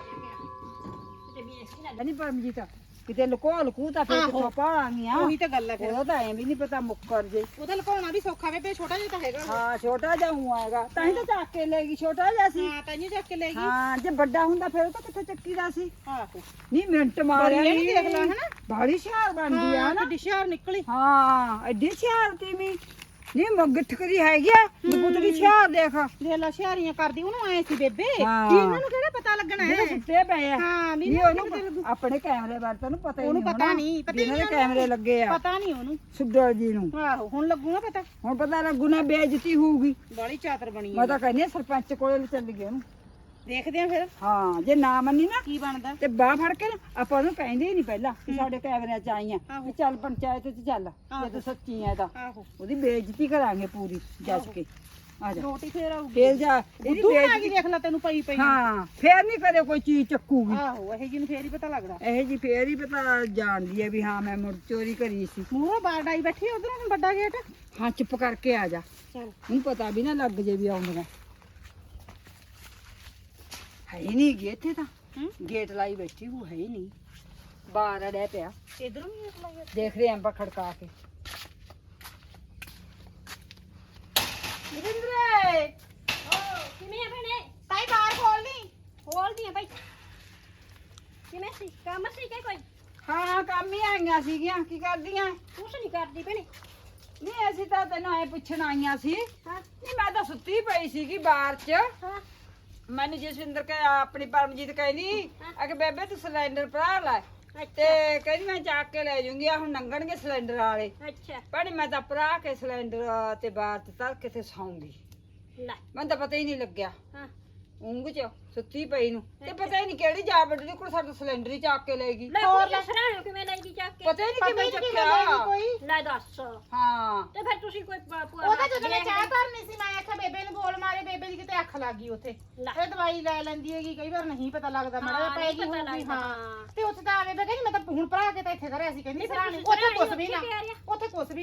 S1: ਵੇਖ ਵੀ ਨਾ
S3: ਨਹੀਂ ਪਰਮਜੀਤ ਕਿਤੇ ਲੁਕੋ ਤਾਂ ਫਿਰ
S2: ਆਹੋ।
S3: ਕਿੱਥੋਂ ਪਾਵਾਂਗੀਆਂ।
S2: ਉਹੀ ਤਾਂ ਗੱਲ ਹੈ ਫਿਰ।
S3: ਉਹਦਾ ਤਾਂ ਐਂ ਵੀ ਨਹੀਂ ਪਤਾ ਮੁੱਕਰ ਜੇ।
S2: ਉਹਦਾ ਲੁਕਾਉਣਾ ਵੀ ਸੌਖਾ ਬੇਬੇ, ਛੋਟਾ ਜਿਹਾ ਤਾਂ ਹੈਗਾ।
S3: ਹਾਂ ਛੋਟਾ ਜਿਹਾ ਹੂੰ ਆਏਗਾ ਤਾਂ ਹੀ ਤਾਂ ਚੱਕ ਕੇ ਲੈ ਗਈ। ਛੋਟਾ ਜਿਹਾ ਸੀ।
S2: ਹਾਂ ਤਾਂਹੀਓ ਚੱਕ ਕੇ ਲੈ ਗਈ।
S3: ਹਾਂ ਜੇ ਵੱਡਾ ਹੁੰਦਾ ਫਿਰ ਉਹ ਤਾਂ ਕਿੱਥੇ ਚੱਕੀ ਦਾ ਸੀ।
S2: ਆਹੋ
S3: ਨਹੀਂ ਮਿੰਟ ਮਾਰਿਆ
S2: ਬੜੀ ਇਹ ਦੇਖ ਲਾ ਹਨਾ।
S3: ਬੜੀ ਸ਼ਹਿਰ ਬਣਦੀ ਆ ਨਾ।
S2: ਕਿੱਡੀ ਸ਼ਹਿਰ ਨਿਕਲੀ।
S3: ਹਾਂ ਐਡੀ ਸ਼ਹਿਰ ਤੀ ਵੀ ਨਹੀਂ ਮਗਠ ਕਰੀ ਹੈਗੀ ਆ ਪੁੱਤਰੀ ਸ਼ਹਿਰ ਦੇਖ
S2: ਦੇਖ ਲਾ ਸ਼ਹਿਰੀਆਂ ਕਰਦੀ ਉਹਨੂੰ ਆਏ ਸੀ ਬੇਬੇ
S3: ਹਾਂ।
S2: ਕੀ ਇਹਨਾਂ ਨੂੰ ਕਿਹੜਾ ਪਤਾ ਲੱਗਣਾ
S3: ਜਿਹੜੇ
S2: ਹੈ।
S3: ਸੁੱਤੇ ਪਏ ਆ
S2: ਹਾਂ ਵੀ
S3: ਨਹੀਂ
S2: ਉਹਨੂੰ ਪਤਾ
S3: ਉਹਨੂੰ
S2: ਲੱਗੂ।
S3: ਆਪਣੇ ਕੈਮਰੇ ਬਾਰੇ ਤੈਨੂੰ ਪਤਾ ਹੀ
S2: ਉਹਨੂੰ
S3: ਨਹੀਂ
S2: ਪਤਾ
S3: ਹੋਣਾ।
S2: ਨਹੀਂ, ਪਤਾ ਹੀ
S3: ਜਿਹਨਾਂ ਦੇ
S2: ਨਹੀਂ
S3: ਕੈਮਰੇ ਲੱਗੇ ਆ
S2: ਪਤਾ ਨਹੀਂ ਉਹਨੂੰ।
S3: ਸੁੱਦਰ ਜੀ ਨੂੰ
S2: ਆਹੋ ਹੁਣ ਲੱਗੂਗਾ ਪਤਾ।
S3: ਹੁਣ ਪਤਾ ਲੱਗੂ ਨਾ ਬੇਇੱਜ਼ਤੀ ਹੋਊਗੀ।
S2: ਬਾਲੀ ਚਾਤਰ ਬਣੀ
S3: ਮੈਂ ਤਾਂ ਕਹਿੰਦੀ ਆ ਸਰਪੰਚ ਕੋਲੇ ਚੱਲ ਗਏ ਉਹਨੂੰ।
S2: ਦੇਖਦੇ ਆ ਫਿਰ
S3: ਹਾਂ ਜੇ ਨਾ ਮੰਨੀ ਨਾ
S2: ਕੀ ਬਣਦਾ।
S3: ਤੇ ਬਾਹ ਫੜ ਕੇ ਨਾ ਆਪਾਂ ਉਹਨੂੰ ਕਹਿੰਦੇ ਹੀ ਨਹੀਂ ਪਹਿਲਾਂ ਕਿ ਸਾਡੇ ਕੈਮਰਿਆਂ ਚ ਆਈਆਂ
S2: ਆਹੋ।
S3: ਵੀ ਚੱਲ ਪੰਚਾਇਤ ਚ ਚੱਲ
S2: ਆਹੋ।
S3: ਜੇ ਤੂੰ ਸੱਚੀ ਐ ਤਾਂ
S2: ਆਹੋ
S3: ਉਹਦੀ ਬੇਇੱਜ਼ਤੀ ਕਰਾਂਗੇ ਪੂਰੀ ਜੱਜ ਕੇ। ਆ ਜਾ
S2: ਰੋਟੀ ਫੇਰ ਆਊਗੀ।
S3: ਫੇਰ ਜਾ ਇਹਦੀ
S2: ਤੂੰ ਆ ਗਈ
S3: ਬੇਇੱਜ਼ਤੀ
S2: ਦੇਖ ਲੈ ਤੈਨੂੰ ਪਈ ਪਈ।
S3: ਹਾਂ ਫੇਰ ਨਹੀਂ ਕਦੇ ਕੋਈ ਚੀਜ਼ ਚੱਕੂਗੀ।
S2: ਆਹੋ ਇਹ ਜੀ ਨੂੰ ਫੇਰ ਹੀ ਪਤਾ ਲੱਗਦਾ।
S3: ਇਹ ਜੀ ਫੇਰ ਹੀ ਪਤਾ ਜਾਣਦੀ ਹੈ ਵੀ ਹਾਂ ਮੈਂ ਮੁੜ ਚੋਰੀ ਕਰੀ ਸੀ।
S2: ਮੂਹਰੋਂ ਬਾਹਰ ਡਾਈ ਬੈਠੀ ਉਧਰੋਂ ਹੁਣ ਵੱਡਾ ਗੇਟ।
S3: ਹਾਂ ਚੁੱਪ ਕਰਕੇ ਆ ਜਾ
S2: ਚਲ
S3: ਹੁਣ ਪਤਾ ਵੀ ਨਾ ਲੱਗ ਜੇ ਵੀ ਆਉਂਦੀਆਂ ਹੈ ਹੀ ਨਹੀਂ ਗੇ ਇੱਥੇ ਤਾਂ ਗੇਟ ਲਾਈ ਬੈਠੀ ਉਹ ਹੈ ਹੀ ਨਹੀਂ ਬਾਹਰ ਅੜਿਆ ਪਿਆ
S2: ਇਧਰੋਂ ਵੀ ਦੇਖ ਲੈ।
S3: ਦੇਖ ਰਹੇ ਆਂ ਖੜਕਾ ਕੇ।
S2: ਨਿਰਿੰਦਰੇ
S1: ਕਿਵੇਂ ਆ ਭੈਣੇ
S2: ਤਾਈ ਬਾਹਰ ਖੋਲ ਲਈ।
S1: ਖੋਲਦੀ ਆ ਭਾਈ ਕਿਵੇਂ ਸੀ ਕੰਮ ਸੀ ਕਿ ਕੋਈ
S3: ਹਾਂ ਕੰਮ ਹੀ ਆਈਆਂ ਸੀਗੀਆਂ ਕੀ ਕਰਦੀਆਂ
S1: ਕੁਛ ਨਹੀਂ ਕਰਦੀ ਭੈਣੇ।
S3: ਨਹੀਂ ਅਸੀਂ ਤਾਂ ਤੈਨੂੰ ਐ ਪੁੱਛਣ ਆਈਆਂ ਸੀ।
S1: ਹਾਂ
S3: ਨਹੀਂ ਮੈਂ ਤਾਂ ਸੁੱਤੀ ਪਈ ਸੀਗੀ ਬਾਹਰ 'ਚ।
S1: ਹਾਂ
S3: ਮੈਨੂੰ ਜਸਵਿੰਦਰ ਕਹੇ ਆਪਣੀ ਪਰਮਜੀਤ ਕਹਿੰਦੀ ਆ ਕਿ ਬੇਬੇ ਤੂੰ ਸਿਲੰਡਰ ਭਰਾ ਲੈ ਤੇ
S1: ਅੱਛਾ
S3: ਕਹਿੰਦੀ ਮੈਂ ਚੱਕ ਕੇ ਲੈ ਜੂੰਗੀ ਆ ਹੁਣ ਲੰਘਣਗੇ ਸਿਲੰਡਰ ਵਾਲੇ
S1: ਅੱਛਾ
S3: ਭੈਣੇ ਮੈਂ ਤਾਂ ਭਰਾ ਕੇ ਸਿਲੰਡਰ ਤੇ ਬਾਹਰ ਤੇ ਤਰ ਕੇ ਤੇ ਸੌਂਗੀ।
S1: ਲੈ
S3: ਮੈਨੂੰ ਤਾਂ ਪਤਾ ਹੀ ਨਹੀਂ ਲੱਗਿਆ
S1: ਹਾਂ
S3: ਉਂਗ 'ਚ ਸੁੱਤੀ ਪਈ ਨੂੰ ਤੇ ਪਤਾ ਹੀ ਨਹੀਂ ਕਿਹੜੀ ਜਾ ਵੱਡੀ ਕੋਲ ਸਾਡਾ ਸਿਲੰਡਰ ਹੀ ਚੱਕ ਕੇ ਲੈ ਗਈ।
S1: ਲੈ ਹੋਰ ਸਰਾਣੋ ਕਿਵੇਂ ਲੈ ਗਈ ਚੱਕ ਕੇ
S3: ਪਤਾ ਹੀ ਨਹੀਂ ਕਿਵੇਂ
S2: ਪਤਾ ਨੀ
S3: ਚੱਕਿਆ।
S2: ਕੋਈ।
S1: ਲੈ ਦੱਸ
S3: ਹਾਂ
S1: ਤੇ ਫਿਰ ਤੁਸੀਂ ਕੋਈ
S2: ਉਹਦਾ ਜਦੋਂ ਮੈਂ ਚਾਹ ਧਰਨੀ ਸੀ ਮੈਂ ਆਖਿਆ ਬੇਬੇ ਨੂੰ ਬੋਲ ਮਾਰੇ, ਬੇਬੇ ਦੀ ਕਿਤੇ ਅੱਖ ਲੱਗ ਗਈ ਉੱਥੇ।
S1: ਲੈ।
S2: ਇਹ ਦਵਾਈ ਲੈ ਲੈਂਦੀ ਹੈਗੀ, ਕਈ ਵਾਰ ਨਹੀਂ ਪਤਾ ਲੱਗਦਾ
S1: ਹਾਂ,
S2: ਮੜਾ ਪੈ
S1: ਨਹੀਂ
S2: ਗਈ
S1: ਪਤਾ
S2: ਹੋਊਗੀ।
S1: ਲੱਗਦਾ,
S2: ਹਾਂ
S1: ਹਾਂ।
S2: ਤੇ ਉੱਥੇ ਤਾਂ ਬੇਬੇ ਕਹਿੰਦੀ ਮੈਂ ਤਾਂ ਹੁਣ ਭਰਾ ਕੇ ਤਾਂ ਇੱਥੇ ਧਰਿਆ ਸੀ, ਕਹਿੰਦੀ
S1: ਨਹੀਂ, ਫਿਰ
S2: ਸਰਾਣੀ
S1: ਤੁਸੀਂ
S2: ਉੱਥੇ ਕੁਛ
S1: ਸਰਾਣੀ
S2: ਵੀ ਨਾ,
S1: ਉੱਥੇ ਪਿਆ ਰਿਹਾ।
S2: ਉੱਥੇ ਕੁਛ ਵੀ ਨਾ।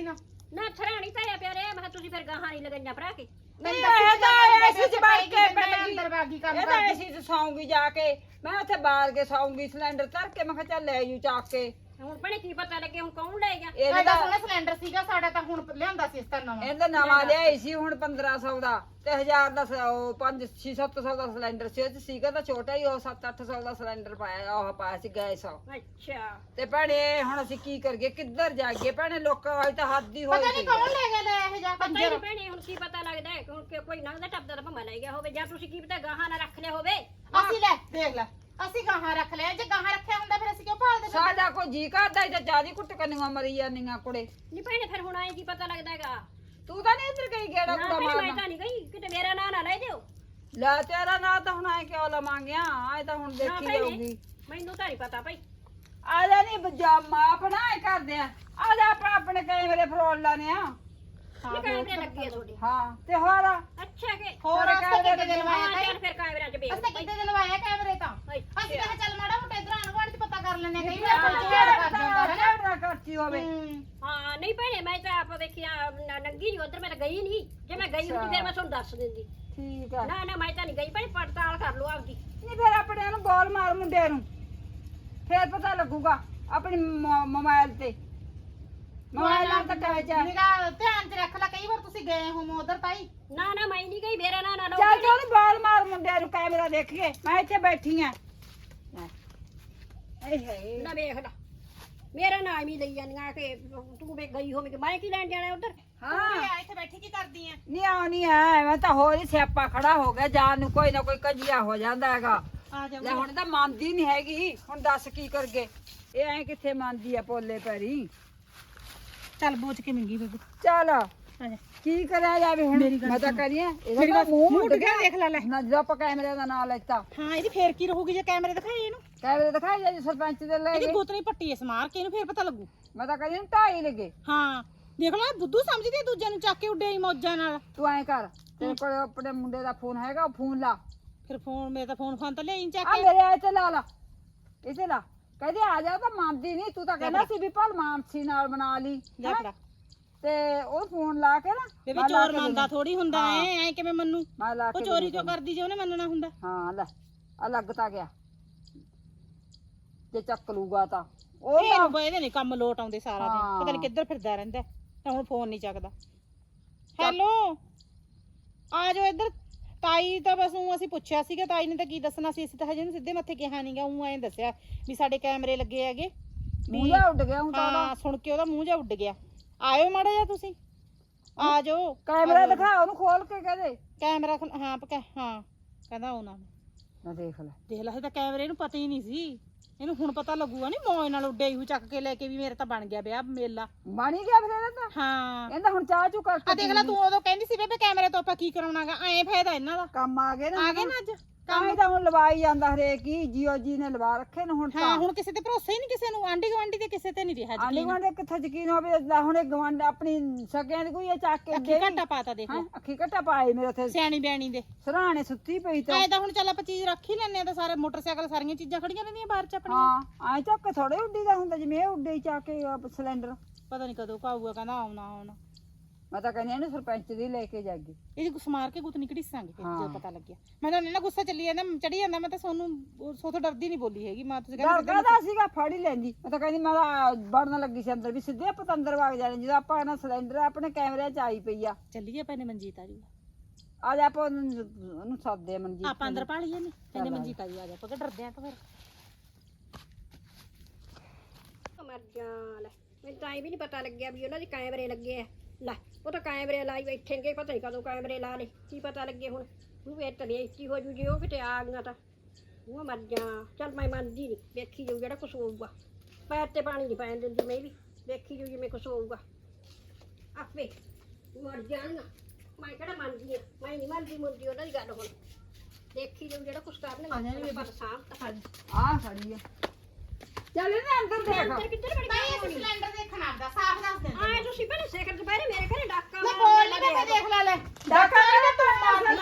S1: ਨਾ ਥਰਾਣੀ ਧਰਿਆ ਪਿਆ ਰੇ ਮੈਂ ਕਿਹਾ ਤੁਸੀਂ ਫਿਰ ਗਾਹਾਂ ਨਹੀਂ ਲਗਾਈਆਂ ਭਰਾ ਕੇ
S3: ਨਹੀਂ ਇਹ ਤਾਂ ਐਸੀ ਚ ਵੜ ਕੇ
S2: ਮੈਂ
S3: ਪੈ ਗਈ
S2: ਅੰਦਰ ਬਾਗੀ ਕੰਮ
S3: ਇਹ ਤਾਂ
S2: ਕਰਦੀ
S3: ਐਸੀ ਚ ਸੌਂਗੀ ਜਾ ਕੇ ਮੈਂ ਉੱਥੇ ਬਾਹਰ ਕੇ ਸੌਂਗੀ ਸਿਲੰਡਰ ਧਰ ਕੇ ਮੈਂ ਕਿਹਾ ਚੱਲ ਲੈ ਜੂ ਚੱਕ ਕੇ
S1: ਹੁਣ ਭੈਣੇ ਕੀ ਪਤਾ ਲੱਗੇ ਹੁਣ ਕੌਣ ਲੈ ਗਿਆ
S3: ਇਹਦਾ
S2: ਐਡਾ ਸੋਹਣਾ ਸਿਲੰਡਰ ਸੀਗਾ ਸਾਡਾ ਤਾਂ ਹੁਣ ਲਿਆਂਦਾ ਸੀ ਇਸ ਤਰ੍ਹਾਂ ਨਵਾਂ
S3: ਇਹਦਾ ਨਵਾਂ ਲਿਆਈ ਸੀ ਹੁਣ 1500 ਦਾ ਤੇ 1000 ਦਾ 5-6-700 ਦਾ ਸਿਲੰਡਰ ਸੀ ਉਹ 'ਚ ਸੀਗਾ ਤਾਂ ਛੋਟਾ ਹੀ ਉਹ 7-800 ਦਾ ਸਿਲੰਡਰ ਪਾਇਆ ਉਹ ਪਾਇਆ ਸੀ ਗੈਸ
S1: ਅੱਛਾ
S3: ਤੇ ਭੈਣੇ ਹੁਣ ਅਸੀਂ ਕੀ ਕਰੀਏ ਕਿੱਧਰ ਜਾਈਏ ਭੈਣੇ ਲੋਕਾਂ ਵਾਲੀ ਤਾਂ ਹੱਦ ਹੀ ਹੋਈ
S2: ਪਤਾ ਨਹੀਂ ਕੌਣ ਲੈ ਗਿਆ ਲੈ ਇਹ ਜਾ
S1: ਪਤਾ
S2: ਕੰਜਰ
S1: ਨਹੀਂ ਭੈਣੇ ਹੁਣ ਕੀ ਪਤਾ ਲੱਗਦਾ ਹੈ ਕਿ ਹੁਣ ਕੋਈ ਨੰਗਦਾ ਟੱਪਦਾ ਤਾਂ ਭੰਮਾ ਲੈ ਗਿਆ ਹੋਵੇ ਜਾਂ ਤੁਸੀਂ ਕੀ ਪਤਾ ਗਾਹਾਂ ਨਾ ਰੱਖ ਲਿਆ ਹੋਵੇ
S2: ਅਸੀਂ ਲੈ ਦੇਖ ਲੈ ਅਸੀਂ ਗਾਹਾਂ ਰੱਖ ਲਿਆ ਜੇ ਗਾਹਾਂ ਰੱਖਿਆ ਹੁੰਦਾ ਫਿਰ ਅਸੀਂ ਕਿਉਂ ਭਾਲਦੇ
S3: ਸਾਡਾ ਕੋਈ ਜੀ ਕਰਦਾ ਹੀ ਤਾਂ ਜਿਆਦੀ ਕੁੱਟ ਕੰਨੀਆਂ ਮਰੀ ਜਾਂਦੀਆਂ ਕੁੜੇ
S1: ਨਹੀਂ ਭੈਣੇ ਫਿਰ ਹੁਣ ਆਏ ਕੀ ਪਤਾ ਲੱਗਦਾ ਹੈਗਾ
S3: ਤੂੰ ਤਾਂ ਨਹੀਂ ਇੱਧਰ ਗਈ ਗੇੜਾ
S1: ਨਾ
S3: ਕੁੜਾ
S1: ਭੈਣੇ ਮੈਂ
S3: ਮਾਰਨਾ
S1: ਤਾਂ ਨਹੀਂ ਗਈ ਕਿਤੇ ਮੇਰਾ ਨਾਂ ਨਾ ਲੈ ਦਿਓ
S3: ਲੈ ਤੇਰਾ ਨਾਂ ਤਾਂ ਹੁਣ ਆਏ ਕਿਉਂ ਲਵਾਂਗੇ ਆਏ ਤਾਂ ਹੁਣ
S1: ਨਾ
S3: ਦੇਖੀ
S1: ਭੈਣੇ
S3: ਜਾਊਗੀ
S1: ਮੈਨੂੰ ਤਾਂ ਨਹੀਂ ਪਤਾ ਭਾਈ
S3: ਆ ਜਾ ਨਹੀਂ ਬਜਾਮਾ ਆਪਣਾ ਇਹ ਕਰਦੇ ਆ ਜਾ ਆਪਾਂ ਆਪਣੇ ਕੈਮਰੇ ਫਰੋਲ ਲਾਨੇ ਆ
S1: ਇਹ ਕੈਮਰੇ ਲੱਗੇ ਆ ਤੁਹਾਡੇ
S3: ਹਾਂ ਤੇ ਹੋਰ
S1: ਅੱਛਾ ਕਿ
S2: ਹੋਰ
S3: ਤੇਰੇ
S2: ਅਸੀਂ ਕਿੱਥੇ
S3: ਕੈਮਰੇ
S2: ਦੇ ਲਵਾਇਆ
S1: ਹਾਂ
S2: ਤਾਈ
S1: ਚੱਲ ਫਿਰ ਕੈਮਰਿਆਂ 'ਚ ਵੇਖ
S2: ਅਸੀਂ ਕਿੱਥੇ ਦੇ ਲਵਾਇਆ ਕੈਮਰੇ ਤਾਂ ਅਸੀਂ ਕਿਹਾ ਚੱਲ ਮਾੜਾ ਮੋਟਾ ਇਧਰ ਆਣ-ਗੁਆਂਢ 'ਚ ਪਤਾ ਕਰ ਲੈਣੇ ਕਈ ਵਾਰ ਕੋਈ ਝਗੜਾ ਕਰ ਜਾਂਦਾ ਹੈ ਨਾ
S3: ਨਾ ਕਰਤੀ ਹੋਵੇ
S1: ਹਾਂ ਨਹੀਂ ਭੈਣੇ ਮੈਂ ਤਾਂ ਆਪ ਵੇਖਿਆ ਨੰਗੀ ਨਹੀਂ ਉਧਰ ਮੈਂ ਤਾਂ ਗਈ ਨਹੀਂ ਜੇ ਮੈਂ ਗਈ ਹੁੰਦੀ ਫਿਰ ਮੈਂ ਤੁਹਾਨੂੰ ਦੱਸ ਦਿੰਦੀ
S3: ਠੀਕ ਆ
S1: ਨਾ ਨਾ ਮੈਂ ਤਾਂ ਨਹੀਂ ਗਈ ਭੈਣੇ ਪੜਤਾਲ ਕਰ ਲਓ ਆਪਦੀ
S3: ਨਹੀਂ ਫਿਰ ਆਪਣੇ ਨੂੰ ਬੋਲ ਮਾਰ ਮੁੰਡੇ ਨੂੰ ਫੇਰ ਪਤਾ ਲੱਗੂਗਾ ਆਪਣੀ ਮੋਬਾਈਲ ਤੇ ਮੋਬਾਈਲ ਨਾਲ ਤਾਂ ਟੈਚ ਆ
S2: ਨਿਗਾਹ ਧਿਆਨ 'ਚ ਰੱਖ ਲੈ ਕਈ ਵਾਰ ਤੁਸੀਂ ਗਏ ਹੋ ਉਧਰ ਤਾਈ
S1: ਨਾ ਨਾ ਮੈਂ ਨਹੀਂ ਗਈ ਮੇਰਾ ਨਾਂ ਨਾ ਲਓ
S3: ਚੱਲ ਚੱਲ ਬੋਲ ਮਾਰ ਮੁੰਡਿਆਂ ਨੂੰ ਕੈਮਰਾ ਦੇਖੀਏ ਮੈਂ ਇੱਥੇ ਬੈਠੀ ਆ ਏ ਹੇ
S1: ਨਾ ਵੇਖ ਲੈ ਮੇਰਾ ਨਾਮ ਹੀ ਲਈ ਜਾਂਦੀਆਂ ਕਿ ਤੂੰ ਵੇ ਗਈ ਹੋਵੇਂ ਕਿ ਮੈਂ ਕੀ ਲੈਣ ਜਾਣਾ ਉਧਰ
S3: ਹਾਂ
S2: ਇੱਥੇ ਬੈਠੀ ਕੀ ਕਰਦੀ ਆ
S3: ਨਹੀਂ ਆਉਣੀ ਐ ਮੈਂ ਤਾਂ ਹੋਰ ਹੀ ਸਿਆਪਾ ਖੜਾ ਹੋ ਗਿਆ ਜਾਨ ਨੂੰ ਕੋਈ ਨਾ ਕੋਈ ਕਜੀਆ ਹੋ ਜਾਂਦਾ ਹੈਗਾ
S2: ਆ ਜਾ
S3: ਲੈ ਹੁਣ ਤਾਂ ਮੰਨਦੀ ਨਹੀਂ ਹੈਗੀ ਹੁਣ ਦੱਸ ਕੀ ਕਰਗੇ ਇਹ ਐ ਕਿੱਥੇ ਮੰਨਦੀ ਆ ਪੋਲੇ ਪੈਰੀ
S2: ਚੱਲ ਬੋਝ ਕੇ ਮਿੰਗੀ ਬੇਬੇ
S3: ਚੱਲ
S2: ਆ ਜਾ
S3: ਕੀ ਕਰਿਆ ਜਾਵੇ ਹੁਣ ਮੈਂ ਤਾਂ ਕਰੀਏ ਇਹਦਾ ਤਾਂ ਮੂੰਹ ਉੱਡ ਗਿਆ
S2: ਦੇਖ ਲੈ ਲੈ
S3: ਨਾ ਜਦੋਂ ਆਪਾਂ ਕੈਮਰੇ ਦਾ ਨਾਂ ਲੈਤਾ
S2: ਹਾਂ ਇਹਦੀ ਫੇਰ ਕੀ ਰਹੂਗੀ ਜੇ ਕੈਮਰੇ ਦਿਖਾਏ ਇਹਨੂੰ
S3: ਕੈਮਰੇ ਦਿਖਾਈ ਜਾ ਜੀ ਸਰਪੰਚ ਦੇ ਲੈ
S2: ਇਹਦੀ
S3: ਗਏ
S2: ਗੋਤਨੀ ਪੱਟੀ ਇਸ ਮਾਰ ਕੇ ਇਹਨੂੰ ਫੇਰ ਪਤਾ ਲੱਗੂ
S3: ਮੈਂ ਤਾਂ ਕਹਿੰਦੀ 2.5 ਲੱਗੇ
S2: ਹਾਂ ਦੇਖ ਲੈ ਬੁੱਧੂ ਸਮਝਦੀ ਆ ਦੂਜੇ ਨੂੰ ਚੱਕ ਕੇ ਉੱਡੇ ਹੀ ਮੌਜਾਂ ਨਾਲ
S3: ਤੂੰ ਐਂ ਕਰ ਤੇਰੇ ਕੋਲ ਆਪਣੇ ਮੁੰਡੇ ਦਾ ਫੋਨ ਹੈਗਾ ਉਹ ਫੋਨ ਲਾ
S2: ਫਿਰ ਫੋਨ ਮੇਰੇ ਤਾਂ ਫੋਨ ਤਾਂ ਲਿਆਈ ਚੱਕ
S3: ਆ
S2: ਕੇ
S3: ਮੇਰੇ ਆਏ ਤੇ ਲਾ ਲਾ ਇਸੇ ਲਾ ਕਹਿੰਦੀ ਆ ਜਾ ਤਾਂ ਮੰਨਦੀ ਨਹੀਂ ਤੂੰ ਤਾਂ ਕਹਿੰਦਾ ਸੀ ਵੀ ਭਲ ਮਾਨਸੀ ਨਾਲ ਬਣਾ ਲਈ
S2: ਲੈ ਫੜਾ
S3: ਤੇ ਉਹ ਫੋਨ ਲਾ ਕੇ ਨਾ
S2: ਬੇਬੇ
S3: ਮੈਂ ਲਾ
S2: ਚੋਰ
S3: ਕੇ
S2: ਮੰਨਦਾ ਥੋੜੀ ਹੁੰਦਾ ਐ ਕਿਵੇਂ ਮੰਨੂ
S3: ਮੈਂ ਲਾ
S2: ਉਹ
S3: ਕੇ
S2: ਚੋਰੀ ਕਿਉਂ ਕਰਦੀ ਜੇ ਉਹਨੇ ਮੰਨਣਾ ਹੁੰਦਾ
S3: ਹਾਂ ਲੈ ਆ ਲੱਗ ਤਾਂ ਗਿਆ ਜੇ ਚੱਕ ਲੂਗਾ ਤਾਂ ਉਹ
S2: ਇਹ ਨੂੰ ਇਹਦੇ ਨਹੀਂ ਕੰਮ ਲੋਟ ਆਉਂਦੇ ਸਾਰਾ ਦਿਨ
S3: ਹਾਂ।
S2: ਪਤਾ ਨਹੀਂ ਕਿੱਧਰ ਫਿਰਦਾ ਰਹਿੰਦਾ ਤਾਂ ਹੁਣ ਫੋਨ ਨਹੀਂ ਚੱਕਦਾ ਹੈਲੋ ਆ ਜਾਓ ਇੱਧਰ ਤਾਈ ਤਾਂ ਬਸ ਊਂ ਅਸੀਂ ਪੁੱਛਿਆ ਸੀਗਾ ਤਾਈ ਨੇ ਤਾਂ ਕੀ ਦੱਸਣਾ ਸੀ ਅਸੀਂ ਤਾਂ ਹਜੇ ਨੂੰ ਸਿੱਧੇ ਮੱਥੇ ਕਿਹਾ ਨਹੀਂਗਾ ਊਂ ਐਂ ਦੱਸਿਆ ਵੀ ਸਾਡੇ ਕੈਮਰੇ ਲੱਗੇ ਹੈਗੇ
S3: ਮੂੰਹ ਜਿਹਾ ਉੱਡ ਗਿਆ ਹੁਣ ਤਾਂ
S2: ਹਾਂ ਸੁਣ ਕੇ ਉਹਦਾ ਮੂੰਹ ਜਿਹਾ ਉੱਡ ਗਿਆ ਆਇਓ ਮਾੜਾ ਜਿਹਾ ਤੁਸੀਂ ਆ ਜਾਓ
S3: ਕੈਮਰਾ ਦਿਖਾ ਉਹਨੂੰ ਖੋਲ ਕੇ ਕਹਦੇ
S2: ਕੈਮਰਾ ਹਾਂ ਹਾਂ ਕਹਿੰਦਾ ਆਉਣਾ
S3: ਨਾ ਦੇਖ ਲੈ
S2: ਦੇਖ ਲੈ ਇਹ ਤਾਂ ਕੈਮਰੇ ਨੂੰ ਪਤਾ ਹੀ ਨਹੀਂ ਸੀ ਇਹਨੂੰ ਹੁਣ ਪਤਾ ਲੱਗੂਗਾ ਨਹੀਂ ਮੌਜ ਨਾਲ ਉੱਡੇ ਹੀ ਚੱਕ ਕੇ ਲੈ ਕੇ ਵੀ ਮੇਰੇ ਤਾਂ ਬਣ ਗਿਆ ਵਿਆਹ ਮੇਲਾ
S3: ਬਣੀ ਗਿਆ ਫਿਰ ਇਹਦਾ ਤਾਂ
S2: ਹਾਂ
S3: ਇਹਦਾ ਹੁਣ ਚਾਹ ਚੂ ਕਰਕੇ
S2: ਆ ਦੇਖ ਲੈ ਤੂੰ ਉਦੋਂ ਕਹਿੰਦੀ ਸੀ ਬੇਬੇ ਕੈਮਰੇ ਤੋਂ ਆਪਾਂ ਕੀ ਕਰਾਉਣਾਗਾ ਐਂ ਫਾਇਦਾ ਇਹਨਾਂ ਦਾ
S3: ਕੰਮ ਆ ਗਏ ਨਾ
S2: ਆ ਗਏ ਨਾ ਅੱਜ
S3: ਕੰਮ ਤਾਂ ਹੁਣ ਲਵਾਈ ਜਾਂਦਾ ਹਰੇਕ ਹੀ ਜੀਓ ਜੀ ਨੇ ਲਵਾ ਰੱਖੇ ਨੇ ਹੁਣ
S2: ਹਾਂ
S3: ਤਾਂ
S2: ਹੁਣ ਕਿਸੇ ਤੇ ਭਰੋਸਾ ਹੀ ਨਹੀਂ ਕਿਸੇ ਨੂੰ ਆਂਢੀ ਗੁਆਂਢੀ ਤੇ ਕਿਸੇ ਤੇ ਨਹੀਂ ਰਿਹਾ
S3: ਆਂਢੀ
S2: ਯਕੀਨ
S3: ਗੁਆਂਢੀ ਕਿੱਥੇ ਯਕੀਨ ਹੋਵੇ ਲੈ ਹੁਣ ਇਹ ਗਵਾਂਢ ਆਪਣੀ ਸਕਿਆਂ ਦੀ ਕੋਈ ਇਹ ਚੱਕ ਕੇ
S2: ਅੱਖੀ ਘਾਟਾ ਪਾਤਾ ਦੇਖ ਲੈ
S3: ਹੈਂ, ਅੱਖੀ ਘੱਟਾ ਪਾਏ ਮੇਰੇ ਉੱਥੇ
S2: ਸਿਆਣੀ ਬਿਆਣੀ ਦੇ
S3: ਸਰਾਣੇ ਸੁੱਤੀ ਪਈ ਤਾਂ
S2: ਐ ਤਾਂ ਹੁਣ ਚੱਲ ਆਪਾਂ ਚੀਜ਼ ਰੱਖ ਹੀ ਲੈਣੇ ਆ ਤਾਂ ਸਾਰੇ ਮੋਟਰਸਾਈਕਲ ਸਾਰੀਆਂ ਚੀਜ਼ਾਂ ਖੜੀਆਂ ਰਹਿੰਦੀਆਂ ਬਾਹਰ ਚ ਆਪਣੀਆਂ
S3: ਹਾਂ ਐ ਚੱਕ ਥੋੜੇ ਉੱਡੀ ਦਾ ਹੁੰਦਾ ਜਿਵੇਂ ਇਹ ਉੱਡੇ ਹੀ ਚੱਕ ਕੇ ਸਿਲੰਡਰ
S2: ਪਤਾ ਨਹੀਂ ਕਦੋਂ ਕਾਊਗਾ ਕਹਿੰਦਾ ਆਉਣਾ
S3: ਮੈਂ ਤਾਂ ਕਹਿੰਦੀ ਇਹਨੂੰ ਸਰਪੰਚ ਦੀ ਲੈ ਕੇ ਜਾਗੀ
S2: ਇਹਦੀ ਕੁਛ ਮਾਰ ਕੇ ਗੁੱਤ ਨਿਕੜੀ ਸਾਂਗੇ ਫਿਰ
S3: ਹਾਂ।
S2: ਜਦੋਂ ਪਤਾ ਲੱਗਿਆ ਮੈਂ ਤਾਂ ਨਾ ਗੁੱਸਾ ਚੱਲੀ ਜਾਂਦਾ ਚੜੀ ਜਾਂਦਾ ਮੈਂ ਤਾਂ ਸੋਨੂੰ ਸੋਥੋਂ ਡਰਦੀ ਨਹੀਂ ਬੋਲੀ ਹੈਗੀ ਮੈਂ ਤੁਸੀਂ
S3: ਡਰ ਕਾਹਦਾ ਸੀਗਾ ਫੜ ਹੀ ਲੈਂਦੀ ਮੈਂ ਤਾਂ ਕਹਿੰਦੀ ਮੈਂ ਤਾਂ ਵੜਨ ਲੱਗੀ ਸੀ ਅੰਦਰ ਵੀ ਸਿੱਧੇ ਆਪਾਂ ਤਾਂ ਅੰਦਰ ਵਗ ਜਾਣੇ ਜਦੋਂ ਆਪਾਂ ਨਾ ਸਿਲੰਡਰ ਆਪਣੇ ਕੈਮਰੇ 'ਚ ਆਈ ਪਈ ਆ
S2: ਚੱਲੀਏ ਪੈਨੇ ਮਨਜੀਤ ਆ ਜੂਗਾ
S3: ਆ ਜਾ ਆਪਾਂ ਉਹਨੂੰ ਸੱਦਦੇ ਆ ਮਨਜੀਤ
S2: ਆਪਾਂ ਅੰਦਰ ਪਾ ਲਈਏ ਨੇ ਕਹਿੰਦੇ ਮਨਜੀਤ ਆ ਜਾ ਆਪਾਂ ਕਿ ਡਰਦੇ ਆ ਤਾਂ ਫਿਰ
S1: ਮਰ ਜਾ ਲੈ ਮੈਨੂੰ ਤਾਂ ਇਹ ਵੀ ਨਹੀਂ ਪਤਾ ਲੱਗਿਆ ਵੀ ਉਹਨਾਂ ਦੇ ਕੈਮਰੇ ਲੱਗੇ ਆ ਲੈ ਉਹ ਤਾਂ ਕੈਮਰੇ ਲਾਈ ਬੈਠੇ ਨੇ ਪਤਾ ਨਹੀਂ ਕਦੋਂ ਕੈਮਰੇ ਲਾ ਲੇ ਕੀ ਪਤਾ ਲੱਗੇ ਹੁਣ ਉਹ ਇਹ ਤਾਂ ਬੇਇੱਜ਼ਤੀ ਹੋ ਜੂ ਜੇ ਉਹ ਕਿਤੇ ਆ ਗਈਆਂ ਤਾਂ ਉਹ ਮਰ ਜਾ ਚੱਲ ਮੈਂ ਮੰਨਦੀ ਨਹੀਂ ਵੇਖੀ ਜਾਊ ਜਿਹੜਾ ਕੁਛ ਹੋਊਗਾ ਪੈਰ ਤੇ ਪਾਣੀ ਨਹੀਂ ਪੈਣ ਦਿੰਦੀ ਮੈਂ ਵੀ ਵੇਖੀ ਜਾਊ ਜਿਵੇਂ ਕੁਛ ਹੋਊਗਾ ਆਪੇ ਮਰ ਜਾਣਗਾ ਮੈਂ ਕਿਹੜਾ ਮੰਨਦੀ ਆ ਮੈਂ ਨਹੀਂ ਮੰਨਦੀ ਮੁੰਦੀ ਉਹਨਾਂ ਦੀ ਗੱਲ ਹੁਣ ਦੇਖੀ ਜਾਊ ਜਿਹੜਾ ਕੁਛ ਕਰਨਗੇ ਪਰ ਸਾਂਭ ਤਾਂ
S3: ਆ ਖੜੀ ਆ ਚੱਲ ਨਾ ਅੰਦਰ ਦੇਖ
S1: ਅੰਦਰ ਕਿੱਧਰ ਵੜ ਗਈ
S2: ਸਿਲੰਡਰ ਦੇਖਣ ਆਉਂਦਾ ਸਾਫ਼ ਦੱਸ ਦੇ
S1: ਆਏ ਤੁਸੀਂ ਪਹਿਲੇ ਸਿਖਰ ਦੁਪਹਿਰੇ ਮੇਰੇ ਘਰੇ ਡਾਕਾ
S2: ਮੈਂ ਕੋਲ ਨਹੀਂ ਮੈਂ ਦੇਖ ਲੈ
S3: ਡਾਕਾ ਕਹਿੰਦਾ ਤੂੰ ਮਾਰ
S1: ਨਾ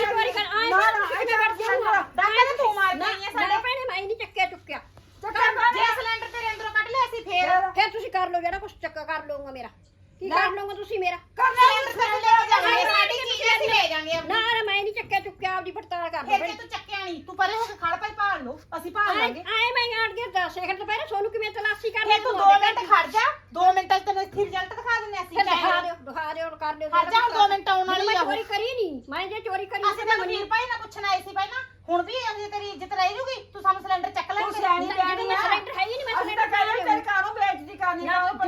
S2: ਡਾਕਾ ਤਾਂ ਤੂੰ ਮਾਰ ਗਈ ਹੈ
S1: ਸਾਡੇ ਭੈਣੇ ਮੈਂ ਨਹੀਂ ਚੱਕਿਆ ਚੁੱਕਿਆ
S2: ਜੇ ਸਿਲੰਡਰ ਤੇਰੇ ਅੰਦਰੋਂ ਕੱਢ ਲਿਆ ਸੀ ਫੇਰ
S1: ਫਿਰ ਤੁਸੀਂ ਕਰ ਲਓ ਜਿਹੜਾ ਕੁਛ ਚੱਕਾ ਕਰ ਲਊਗਾ ਮੇਰਾ ਕੀ ਕਰ ਲਓਗੇ ਤੁਸੀਂ ਮੇਰਾ
S2: ਸਿਲੰਡਰ ਲੈ ਜਾਵਾਂਗੇ ਸਾਡੀ ਚੀਜ਼ ਅਸੀਂ ਲੈ ਜਾਾਂਗੇ
S1: ਨਾ ਨਾ ਮੈਂ ਨਹੀਂ ਚੱਕਿਆ ਚੁੱਕਿਆ ਆਪਦੀ ਪੜਤਾਲ ਕਰ
S2: ਫਿਰ
S1: ਲਓ
S2: ਜੇ ਤੂੰ ਚੱਕਿਆ ਨਹੀਂ ਤੂੰ ਪਰੇ ਹੋ ਕੇ ਖੜ ਪਈ ਭਾਲ ਲਓ ਅਸੀਂ ਭਾਲ ਲਾਂਗੇ
S1: ਆਏ ਮੈਂ ਆੜ ਗਿਆ 10 ਸੈਕਿੰਡ ਤੋਂ ਪਹਿਲਾਂ ਸੋਨੂੰ ਕਿਵੇਂ ਤਲਾਸ਼ੀ ਕਰ
S2: ਫਿਰ ਤੂੰ 2 ਮਿੰਟ ਖੜ ਜਾ 2 ਮਿੰਟਾਂ 'ਚ ਤੈਨੂੰ ਇੱਥੇ ਰਿਜ਼ਲਟ ਦਿਖਾ ਦਿੰਨੇ ਅਸੀਂ
S1: ਦਿਖਾ ਦਿਓ ਕਰ ਦਿਓ
S2: ਖੜ ਜਾ ਹੁਣ 2 ਮਿੰਟ ਆਉਣ ਵਾਲੀ ਆ
S1: ਚੋਰੀ ਕਰੀ ਨਹੀਂ ਮੈਂ ਜੇ ਚੋਰੀ ਕਰੀ
S2: ਅਸੀਂ ਤੈਨੂੰ ਵੀਰ ਭਾਈ ਨਾ ਪੁੱਛਣ ਆਏ ਸੀ ਪਹਿਲਾਂ ਹੁਣ ਵੀ ਅਜੇ ਤੇਰੀ ਇੱਜ਼ਤ ਰਹਿ ਜੂਗੀ ਤੂੰ ਸਾਨੂੰ ਸਿਲੰਡਰ ਚੱਕ ਲੈ
S3: ਤੂੰ ਸਿਆਣੀ
S1: ਜਿਹੜੀ ਸਿਲੰਡਰ ਹੈ ਹੀ ਨਹੀਂ ਮੈਂ
S3: ਅਸੀਂ ਤਾਂ ਕਹਿੰਦੇ ਤੇਰੇ ਘਰੋਂ ਬੇਇੱਜ਼ਤੀ ਕਰਨੀ ਨਾ ਉਹ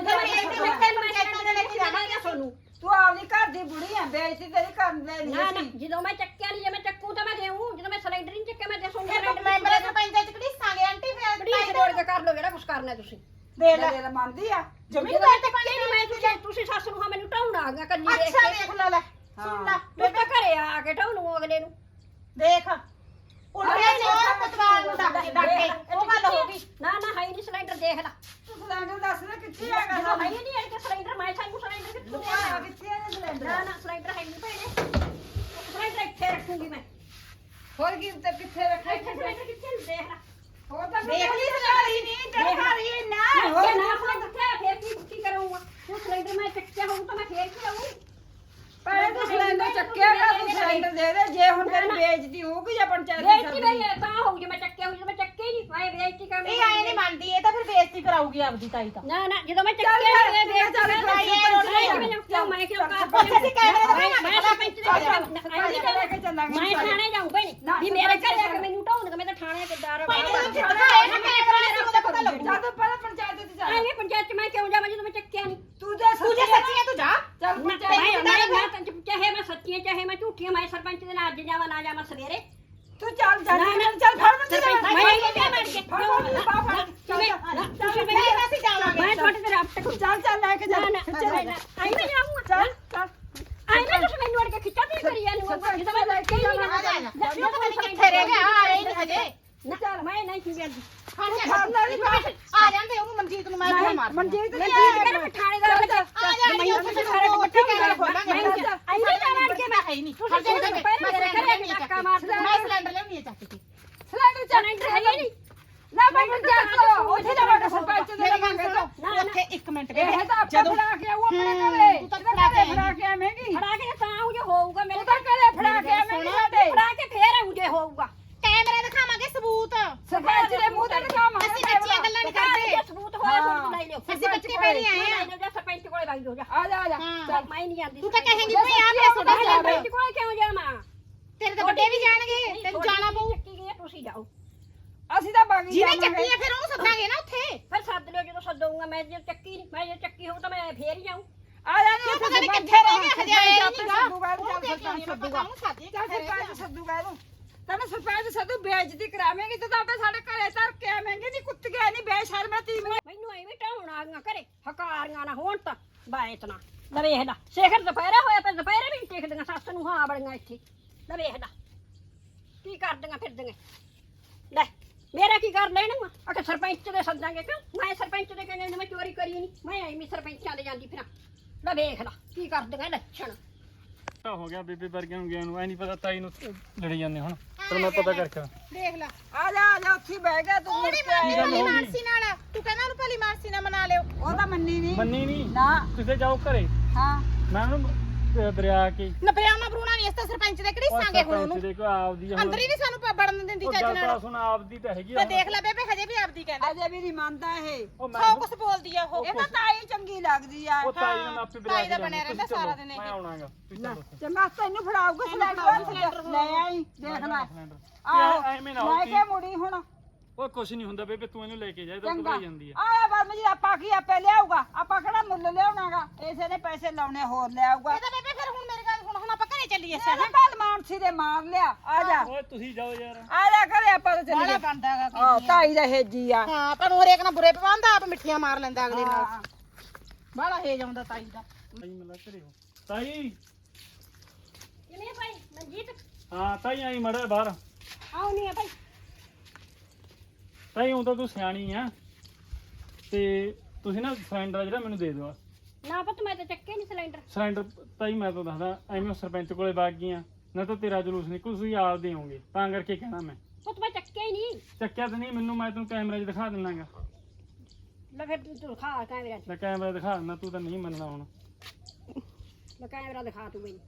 S1: ਸੋਨੂੰ
S3: ਤੂੰ ਆਪਣੀ ਘਰ ਦੀ ਬੁੜੀ ਆ ਬੇਇੱਜ਼ਤੀ ਤੇਰੀ ਕਰਨ ਲੈਣੀ
S1: ਨਾ ਨਾ
S3: ਅਸੀਂ
S1: ਜਦੋਂ ਮੈਂ ਚੱਕਿਆ ਨਹੀਂ ਜੇ ਮੈਂ ਚੱਕੂ ਤਾਂ ਮੈਂ ਦੇਉਂ ਜਦੋਂ ਮੈਂ ਸਿਲੰਡਰ ਨਹੀਂ ਚੱਕਿਆ ਮੈਂ ਦੇ ਸੋਨੂੰ
S2: ਫਿਰ ਤੂੰ ਮੈਂਬਰ ਸਰਪੰਚਾਂ 'ਚ ਘੜੀਸਾਂਗੇ ਆਂਟੀ ਫਿਰ
S1: ਪਲੀਜ਼ ਜੋੜ ਕੇ ਕਰ ਲਓ ਜਿਹੜਾ ਕੁਝ ਕਰਨਾ ਤੁਸੀਂ
S2: ਦੇ ਲੈ
S3: ਮੇਰੇ ਮੰਨਦੀ ਆ
S1: ਜਦੋਂ ਮੈਂ ਚੱਕਿਆ ਨਹੀਂ ਮੈਂ ਤੁਸੀਂ ਸੱਸ ਨੂੰ ਹਾਂ ਮੈਨੂੰ ਢਾਉਣਾ ਆਗਾ ਕੱਲੀ ਦੇਖ
S2: ਅੱਛਾ
S1: ਕੇ
S2: ਦੇਖ ਲੈ ਸੁਣ ਲੈ
S1: ਮੈਂ ਤਾਂ ਘਰੇ ਆ ਕੇ ਢਾਉਣੂ ਅਗਲੇ ਨੂੰ
S2: ਦੇਖ ਉਲਟਿਆ ਚੋਰ ਪਤਵਾਲ ਨੂੰ ਡੱਕ ਕੇ ਉਹ ਗੱਲ ਹੋ ਗਈ
S1: ਨਾ ਨਾ ਹੈ ਨਹੀਂ ਸਿਲੰਡਰ ਦੇਖ ਲੈ
S3: ਤੂੰ ਸਿਲੰਡਰ ਦੱਸ ਨਾ ਕਿੱਥੇ ਹੈਗਾ
S1: ਜਦੋਂ ਹੈ ਹੀ ਨਹੀਂ ਇਹ ਸਿਲੰਡਰ ਮੈਂ ਸਾਨੂੰ ਸਿਲੰਡਰ ਕਿੱਥੋਂ
S3: ਲੁਕਾਇਆ
S1: ਦੇਣਾ
S3: ਕਿੱਥੇ ਹੈ ਸਿਲੰਡਰ
S1: ਨਾ ਨਾ ਸਿਲੰਡਰ ਹੈ ਨਹੀਂ ਭੈਣੇ ਸਿਲੰਡਰ ਇੱਥੇ ਰੱਖੂਗੀ ਮੈਂ
S3: ਹੋਰ ਕੀ ਤੇ ਕਿੱਥੇ ਰੱਖਿਆ
S1: ਇੱਥੇ ਸਿਲੰਡਰ ਕਿੱਥੇ ਨੂੰ ਦੇਖ ਲੈ
S3: ਹੋਰ ਤਾਂ
S2: ਦੇਖ ਲਈ
S3: ਸਾਰੀ ਨਹੀਂ ਤੇਰੇ ਘਰ ਹੀ ਨਾ
S1: ਜੇ ਨਾ ਸਿਲੰਡਰ ਕਿੱਥੇ ਫੇਰ ਕੀ ਕਰੂੰਗਾ ਉਹ ਸਿਲੰਡਰ ਮੈਂ ਚੱਕਿਆ ਹੋਊ ਤਾਂ ਮੈਂ ਫੇਰ ਕੀ ਲਾਊਂ
S3: ਪਰ ਤੂੰ ਸਿਲੰਡਰ ਚੱਕਿਆ ਕਰ ਤੂੰ ਸਿਲੰਡਰ ਦੇ ਦੇ ਜੇ ਹੁਣ ਤੇਰੀ ਬੇਇੱਜ਼ਤੀ ਹੋਊਗੀ ਜਾਂ ਪੰਚਾਇਤ ਦੀ
S1: ਬੇਇੱਜ਼ਤੀ
S3: ਸਬਜ਼ੀ
S1: ਮੇਰੀ ਤਾਂ ਹੋਊ ਜੇ ਮੈਂ ਚੱਕਿਆ ਹੋਊ ਜੇ ਮੈਂ ਚੱਕਿਆ ਹੀ ਨਹੀਂ ਮੈਂ ਬੇਇੱਜ਼ਤੀ ਕਰ
S2: ਇਹ ਆਏ ਨਹੀਂ ਮੰਨਦੀ ਇਹ ਤਾਂ ਫਿਰ ਬੇਇੱਜ਼ਤੀ ਕਰਾਊਗੀ ਆਪਦੀ ਤਾਈ ਤਾਂ
S1: ਨਾ ਨਾ ਜਦੋਂ ਮੈਂ ਚੱਕਿਆ ਨਹੀਂ ਬੇਇੱਜ਼ਤੀ
S3: ਚੱਲ
S1: ਕਰ ਕਿਉਂ ਮੈਂ ਕਿਉਂ
S2: ਅਸੀਂ ਕੈਮਰੇ ਦੇ
S1: ਮੈਂ ਸਰਪੰਚ ਦੇ
S3: ਲੈ ਕੇ ਚੱਲਾਂਗੇ
S1: ਮੈਂ ਥਾਣੇ ਜਾਊਂ ਭੈਣੇ ਵੀ ਮੇਰੇ ਘਰੇ ਆ ਕੇ ਮੈਨੂੰ ਢਾਉਣਗੇ ਮੈਂ ਤਾਂ ਥਾਣੇ ਤੇ ਡਰ
S3: ਚੱਲ ਤੂੰ ਪਹਿਲਾਂ ਪੰਚਾਇਤ ਦੀ ਚੱਲ
S1: ਆਏ ਪੰਚਾਇਤ ਚ ਮੈਂ ਕਿਉਂ ਜਾਵਾਂ ਜਦੋਂ ਮੈਂ ਚੱਕਿਆ ਨਹੀਂ
S3: ਤੂੰ ਜੇ
S2: ਤੂੰ ਜੇ ਸੱਚੀ ਹੈ ਤੂੰ ਜਾ
S3: ਚੱਲ
S1: ਮੈਂ ਚਾਹੇ ਮੈਂ ਸੱਚੀਆਂ ਚਾਹੇ ਮੈਂ ਝੂਠੀਆਂ ਮੈਂ ਸਰਪੰਚ ਦੇ ਨਾਲ ਅੱਜ ਜਾਵਾਂ ਨਾ ਜਾਵਾਂ ਸਵੇਰੇ
S3: ਤੂੰ ਚੱਲ ਜਾ ਚੱਲ ਫੜ
S1: ਮੈਂ ਨਹੀਂ ਜਾ ਮਾਰ ਕੇ ਤੁਸੀਂ
S2: ਨਹੀਂ ਅਸੀਂ ਜਾਵਾਂਗੇ
S1: ਮੈਂ ਤੁਹਾਡੇ ਤੇ ਰਾਬਤਾ ਕਰੂ
S3: ਚੱਲ ਚੱਲ ਲੈ ਕੇ ਜਾ
S1: ਆਈ ਮੈਂ ਜਾਊਂਗਾ
S3: ਚੱਲ ਚੱਲ
S1: ਆਈ ਮੈਂ ਤੁਸੀਂ ਮੈਨੂੰ ਅੜ ਕੇ ਖਿੱਚਾ ਤੇ ਕਰੀ ਜਾਂਦੀ ਜਦੋਂ ਮੈਂ ਲੈ ਕੇ ਜਾਵਾਂ
S2: ਆ ਜਾ ਕਿੱਥੇ ਰਹਿ ਗਿਆ ਆ ਰਹੀ ਨਹੀਂ ਹਜੇ
S1: ਨਾ ਚੱਲ ਮੈਂ ਨਹੀਂ ਕੀ ਜਾਂਦੀ
S2: ਆ ਜਾਂਦੇ ਉਹਨੂੰ ਮਨਜੀਤ ਨੂੰ ਮੈਂ ਫੋਨ ਮਾਰ
S3: ਮਨਜੀਤ
S1: ਮੈਂ ਕੀ ਕਰਾਂ ਮੈਂ ਥਾਣੇਦਾਰ ਲੱਗਾ
S2: ਆ ਜਾ ਮੈਂ ਉੱਥੇ ਸਾਰੇ ਇਕੱਠੇ ਕੈਮਰਾ ਖੋਲਾਂਗੇ
S1: ਆਈ ਮੈਂ ਜਾ ਮਾਰ ਕੇ ਮੈਂ
S2: ਹੈ ਹੀ ਨਹੀਂ
S1: ਤੁਸੀਂ ਜਿਹੜੇ ਪਹਿਲੇ ਮੇਰੇ ਘਰੇ ਆ ਕੇ ਧੱਕਾ ਮਾਰਦੇ
S2: ਮੈਂ ਸਿਲੰਡਰ ਲੈਣੀ ਹੈ ਚੱਕ ਕੇ
S3: ਸਿਲੰਡਰ
S1: ਸਿਲੰਡਰ ਹੈ ਹੀ ਨਹੀਂ
S3: ਨਾ ਮੈਂ ਪੰਚਾਇਤ ਕੋ ਉੱਥੇ ਜਾਵਾਂਗਾ ਸਰਪੰਚ ਦੇ
S2: ਮੇਰੀ ਗੱਲ
S3: ਲਵਾਂਗੇ
S2: ਸੁਣੋ ਉੱਥੇ 1 ਮਿੰਟ
S3: ਇਹ ਤਾਂ ਆਪਾਂ ਫੜਾ ਕੇ ਆਉ ਆਪਣੇ ਘਰੇ
S2: ਤੂੰ ਤਾਂ
S3: ਫੜਾ ਕੇ ਆਵੇਂਗੀ
S1: ਫੜਾ ਕੇ ਤਾਂ ਆਉਂ ਜੇ ਹੋਊਗਾ ਮੇਰੇ
S3: ਤੂੰ ਤਾਂ ਘਰੇ ਫੜਾ ਕੇ ਆਵੇਂਗੀ ਸਾਡੇ
S1: ਫੜਾ ਕੇ ਫੇਰ ਆਉਂ ਜੇ ਹੋਊਗਾ
S2: ਕੈਮਰਾ ਦਿਖਾਵਾਂਗੇ ਸਬੂਤ
S3: ਸਰਪੰਚ ਦੇ ਮੂੰਹ ਤੇ ਦਿਖਾਵਾਂਗੇ
S2: ਅਸੀਂ ਸੱਚੀਆਂ ਗੱਲਾਂ ਨਹੀਂ ਕਰਦੇ
S1: ਸਬੂਤ ਹੋਇਆ ਸਬੂਤ ਲੈ ਲਿਓ
S2: ਅਸੀਂ ਬੱਚੇ ਪਹਿਲੇ ਆਏ ਆ
S1: ਸਰਪੰਚ ਕੋਲੇ ਵਗ ਜਾਓ ਜਾ
S3: ਆ ਜਾ ਆ ਜਾ
S1: ਚੱਲ ਮੈਂ ਨਹੀਂ ਜਾਂਦੀ
S2: ਤੂੰ ਤਾਂ ਕਹੇਂਗੀ ਭਈ ਆ ਪਿਆ ਤੁਹਾਡਾ ਸਿਲੰਡਰ
S1: ਸਰਪੰਚ ਕੋਲੇ ਕਿਉਂ ਜਾਵਾਂ
S2: ਤੇਰੇ ਤਾਂ ਵੱਡੇ ਵੀ ਜਾਣਗੇ ਤੈਨੂੰ ਜਾਣਾ ਪਊ
S1: ਚੱਕੀ ਗਈ ਤੁਸੀਂ ਜਾਓ
S3: ਅਸੀਂ ਤਾਂ ਬਾਗੀ
S2: ਜਿਹਨੇ ਚੱਕੀ ਹੈ ਫਿਰ ਉਹਨੂੰ ਸੱਦਾਂਗੇ ਨਾ ਉੱਥੇ
S1: ਫਿਰ ਸੱਦ ਲਿਓ ਜਦੋਂ ਸੱਦੂਗਾ ਮੈਂ ਜੇ ਚੱਕੀ ਨਹੀਂ ਮੈਂ ਜੇ ਚੱਕੀ ਹੋਊ ਤਾਂ ਮੈਂ ਫੇਰ ਹੀ ਜਾਊਂ
S3: ਆ ਜਾ ਨੀ
S2: ਪਤਾ ਨਹੀਂ ਕਿੱਥੇ ਰਹਿ ਗਿਆ ਹਜੇ ਆਇਆ ਹੀ ਨਹੀਂਗਾ
S3: ਸੱਦੂਗਾ
S2: ਉਹਨੂੰ ਦੇਖ ਕੇ
S3: ਸੱਦੂਗਾ
S2: ਉਹਨੂੰ ਸਾਦੀ
S3: ਚੱਲ ਸਰਪੰਚ ਸੱਦੂਗਾ ਇਹਨੂੰ ਤੈਨੂੰ ਸਰਪੰਚ ਸੱਦੂ ਬੇਇੱਜ਼ਤੀ ਕਰਾਵੇਂਗੀ ਤੇ ਤਾਂ ਆਪੇ ਸਾਡੇ ਘਰੇ ਧਰ ਕੇ ਆਵੇਂਗੀ ਜੀ ਕੁੱਤ ਗਿਆ ਨਹੀਂ ਬੇਸ਼ਰਮਾ ਤੀ
S1: ਮੈਨੂੰ ਐਵੇਂ ਢਾਉਣ ਆ ਗਈਆਂ ਘਰੇ ਹਕਾਰੀਆਂ ਨਾ ਹੋਣ ਤਾਂ ਬਾਇਤ ਨਾ ਲੈ ਵੇਖ ਲੈ ਸ਼ੇਖਰ ਦੁਪਹਿਰੇ ਹੋਇਆ ਪਰ ਦੁਪਹਿਰੇ ਵੀ ਨੀ ਟਿਕਦੀਆਂ ਸੱਸ ਨੂੰ ਹਾਂ ਬੜੀਆਂ ਇੱਥੇ ਲੈ ਵੇਖ ਲੈ ਕੀ ਕਰਦੀਆਂ ਫਿਰਦੀਆਂ ਲੈ ਮੇਰਾ ਕੀ ਕਰ ਲੈਣਾ ਅਕੇ ਸਰਪੰਚ ਦੇ ਸੱਦਾਂਗੇ ਕਿਉਂ ਮੈਂ ਸਰਪੰਚ ਦੇ ਕਹਿੰਦੇ ਮੈਂ ਚੋਰੀ ਕਰੀ ਨਹੀਂ ਮੈਂ ਐਵੇਂ ਸਰਪੰਚਾਂ ਦੇ ਜਾਂਦੀ ਫਿਰਾਂ ਲੈ ਵੇਖ ਲੈ ਕੀ ਕਰਦੀਆਂ ਲੱਛਣ
S4: ਤਾਂ ਹੋ ਗਿਆ ਬੇਬੇ ਵਰਗਿਆਂ ਨੂੰ ਗਿਆ ਨੂੰ ਐ ਨਹੀਂ ਪਤਾ ਤਾਈ ਨੂੰ ਲੜੀ ਜਾਂਦੇ ਹੁਣ ਪਰ ਮੈਂ ਪਤਾ ਕਰਕੇ
S2: ਦੇਖ ਲੈ
S3: ਆ ਜਾ ਉੱਥੇ ਬਹਿ ਗਿਆ ਤੂੰ ਮੁੜ ਕੇ ਆਇਆ
S2: ਭਲੀ ਮਾਰਸੀ ਨਾਲ ਤੂੰ ਕਹਿੰਦਾ ਉਹਨੂੰ ਭਲੀ ਮਾਰਸੀ ਨਾਲ ਮਨਾ ਲਿਓ
S3: ਉਹ ਤਾਂ ਮੰਨੀ ਨਹੀਂ
S4: ਮੰਨੀ ਨਹੀਂ
S3: ਨਾ
S4: ਤੁਸੀਂ ਜਾਓ ਘਰੇ
S3: ਹਾਂ
S4: ਮੈਂ ਉਹਨੂੰ ਦਰਿਆ ਕੇ
S2: ਨਬਰਿਆਉਣਾ ਬਰੂਣਾ ਨਹੀਂ ਇਸ ਤਾਂ ਸਰਪੰਚ ਦੇ ਘੜੀਸਾਂਗੇ ਹੁਣ ਉਹਨੂੰ
S4: ਦੇਖੋ ਆਪਦੀ
S2: ਅੰਦਰ ਹੀ ਨਹੀਂ ਸਾਨੂੰ ਵੜਨ ਦਿੰਦੀ ਚੱਜ
S4: ਗੱਲ
S2: ਨਾਲ
S4: ਤਾਂ ਸੁਣ ਆਪਦੀ ਤਾਂ ਹੈਗੀ
S2: ਤੇ ਦੇਖ ਲੈ ਬੇਬੇ ਹਜੇ ਵੀ ਆਪਦੀ ਕਹਿੰਦਾ
S3: ਅਜੇ ਵੀ ਨਹੀਂ ਮੰਨਦਾ ਇਹ
S4: ਉਹ ਮੈਂ
S2: ਸੌ ਕੁਛ ਬੋਲਦੀ ਆ ਉਹ
S3: ਇਹ ਤਾਂ ਤਾਈ ਚੰਗੀ ਲੱਗਦੀ ਆ
S4: ਉਹ ਤਾਈ ਨਾਲ ਆਪੇ
S2: ਤਾਈ ਦਾ ਬਣਿਆ ਰਹਿੰਦਾ ਸਾਰਾ ਦਿਨ ਇਹ।
S4: ਮੈਂ ਆਉਣਾਗਾ ਤੁਸੀਂ ਚਲੋ
S3: ਚੰਗਾ ਤੈਨੂੰ ਫੜਾਉਗਾ ਸਿਲੰਡਰ ਲੈ ਆਈ ਦੇਖ ਲੈ
S4: ਆਹ ਐਵੇਂ ਨਾ
S3: ਲੈ
S4: ਹੋਈ
S3: ਕੇ ਮੁੜੀ ਹੁਣ
S4: ਉਹ ਕੁਛ ਨਹੀਂ ਹੁੰਦਾ ਬੇਬੇ ਤੂੰ ਇਹਨੂੰ ਲੈ ਕੇ ਜਾ ਇਹ ਤਾਂ
S3: ਚੰਗਾ
S4: ਘਬਰਾਈ ਜਾਂਦੀ ਆ
S3: ਆਇਆ ਬਾਦ ਜੀ ਆਪਾਂ ਕੀ ਆਪੇ ਲਿਆਊਗਾ ਆਪਾਂ ਕਿਹੜਾ ਮੁੱਲ ਲਿਆਉਣਾਗਾ ਇਸੇ ਨੇ ਪੈਸੇ ਲਾਉਣੇ ਹੋਰ ਲਿਆਊਗਾ
S2: ਇਹ ਤਾਂ ਬੇਬੇ ਫਿਰ ਹੁਣ ਮੇਰੀ ਗੱਲ ਸੁਣ ਹੁਣ ਆਪਾਂ ਘਰੇ ਚੱਲੀਏ
S3: ਇਹਨੇ ਕੱਲ ਮਾਨਸੀ ਦੇ ਮਾਰ ਲਿਆ ਆ ਜਾ
S4: ਓਏ ਤੁਸੀਂ ਜਾਓ ਯਾਰ
S3: ਆ ਜਾ ਘਰੇ ਆਪਾਂ ਤਾਂ ਚੱਲੀਏ
S2: ਬਣਦਾਗਾ
S3: ਆਹ ਤਾਈ ਦਾ ਹੇਜੀ ਆ
S2: ਹਾਂ ਪਰ ਉਹ ਹਰੇਕ ਨਾਲ ਬੁਰੇ ਪਵਾਉਂਦਾ ਆਪ ਮਿੱਠੀਆਂ ਮਾਰ ਲੈਂਦਾ ਅਗਲੇ ਨਾਲ ਬਾਹਲਾ ਹੇਜ ਆਉਂਦਾ ਤਾਈ ਦਾ
S4: ਤਾਈ ਮਿਲਾ ਘਰੇ ਹੋ ਤਾਈ
S1: ਕਿਵੇਂ ਭਾਈ ਮਨਜੀਤ
S4: ਹਾਂ ਤਾਈ ਆਈ ਮੜਾ ਬਾਹਰ
S1: ਆਉਣੀ ਆ ਭਾਈ
S4: ਤਾਈ ਹੁਣ ਤਾਂ ਤੂੰ ਸਿਆਣੀ ਆ ਤੇ ਤੁਸੀਂ ਨਾ ਸਿਲੰਡਰ ਜਿਹੜਾ ਮੈਨੂੰ ਦੇ ਦਿਓ
S1: ਨਾ ਪੁੱਤ ਮੈਂ ਤਾਂ ਚੱਕੇ ਨਹੀਂ ਸਿਲੰਡਰ
S4: ਸਿਲੰਡਰ ਤਾਈ ਮੈਂ ਤਾਂ ਦੱਸਦਾ ਐਵੇਂ ਸਰਪੰਚ ਕੋਲੇ ਵਗ ਗਈਆਂ ਨਾ ਤਾਂ ਤੇਰਾ ਜਲੂਸ ਨਿਕਲ ਤੁਸੀਂ ਆਪ ਦੇ ਹੋਗੇ ਤਾਂ ਕਰਕੇ ਕਹਿਣਾ ਮੈਂ
S1: ਪੁੱਤ ਮੈਂ ਚੱਕਿਆ ਹੀ ਨਹੀਂ
S4: ਚੱਕਿਆ ਤਾਂ ਨਹੀਂ ਮੈਨੂੰ ਮੈਂ ਤੈਨੂੰ ਕੈਮਰੇ 'ਚ ਦਿਖਾ ਦਿੰਨਾਗਾ
S1: ਲੈ ਫਿਰ ਤੂੰ ਖਾ ਕੈਮਰੇ 'ਚ
S4: ਲੈ ਕੈਮਰਾ ਦਿਖਾ ਦਿੰਦਾ ਤੂੰ ਤਾਂ ਨਹੀਂ ਮੰਨਣਾ ਹੁਣ
S1: ਮੈਂ ਕੈਮਰਾ ਦਿਖਾ ਤੂੰ ਮੈਨੂੰ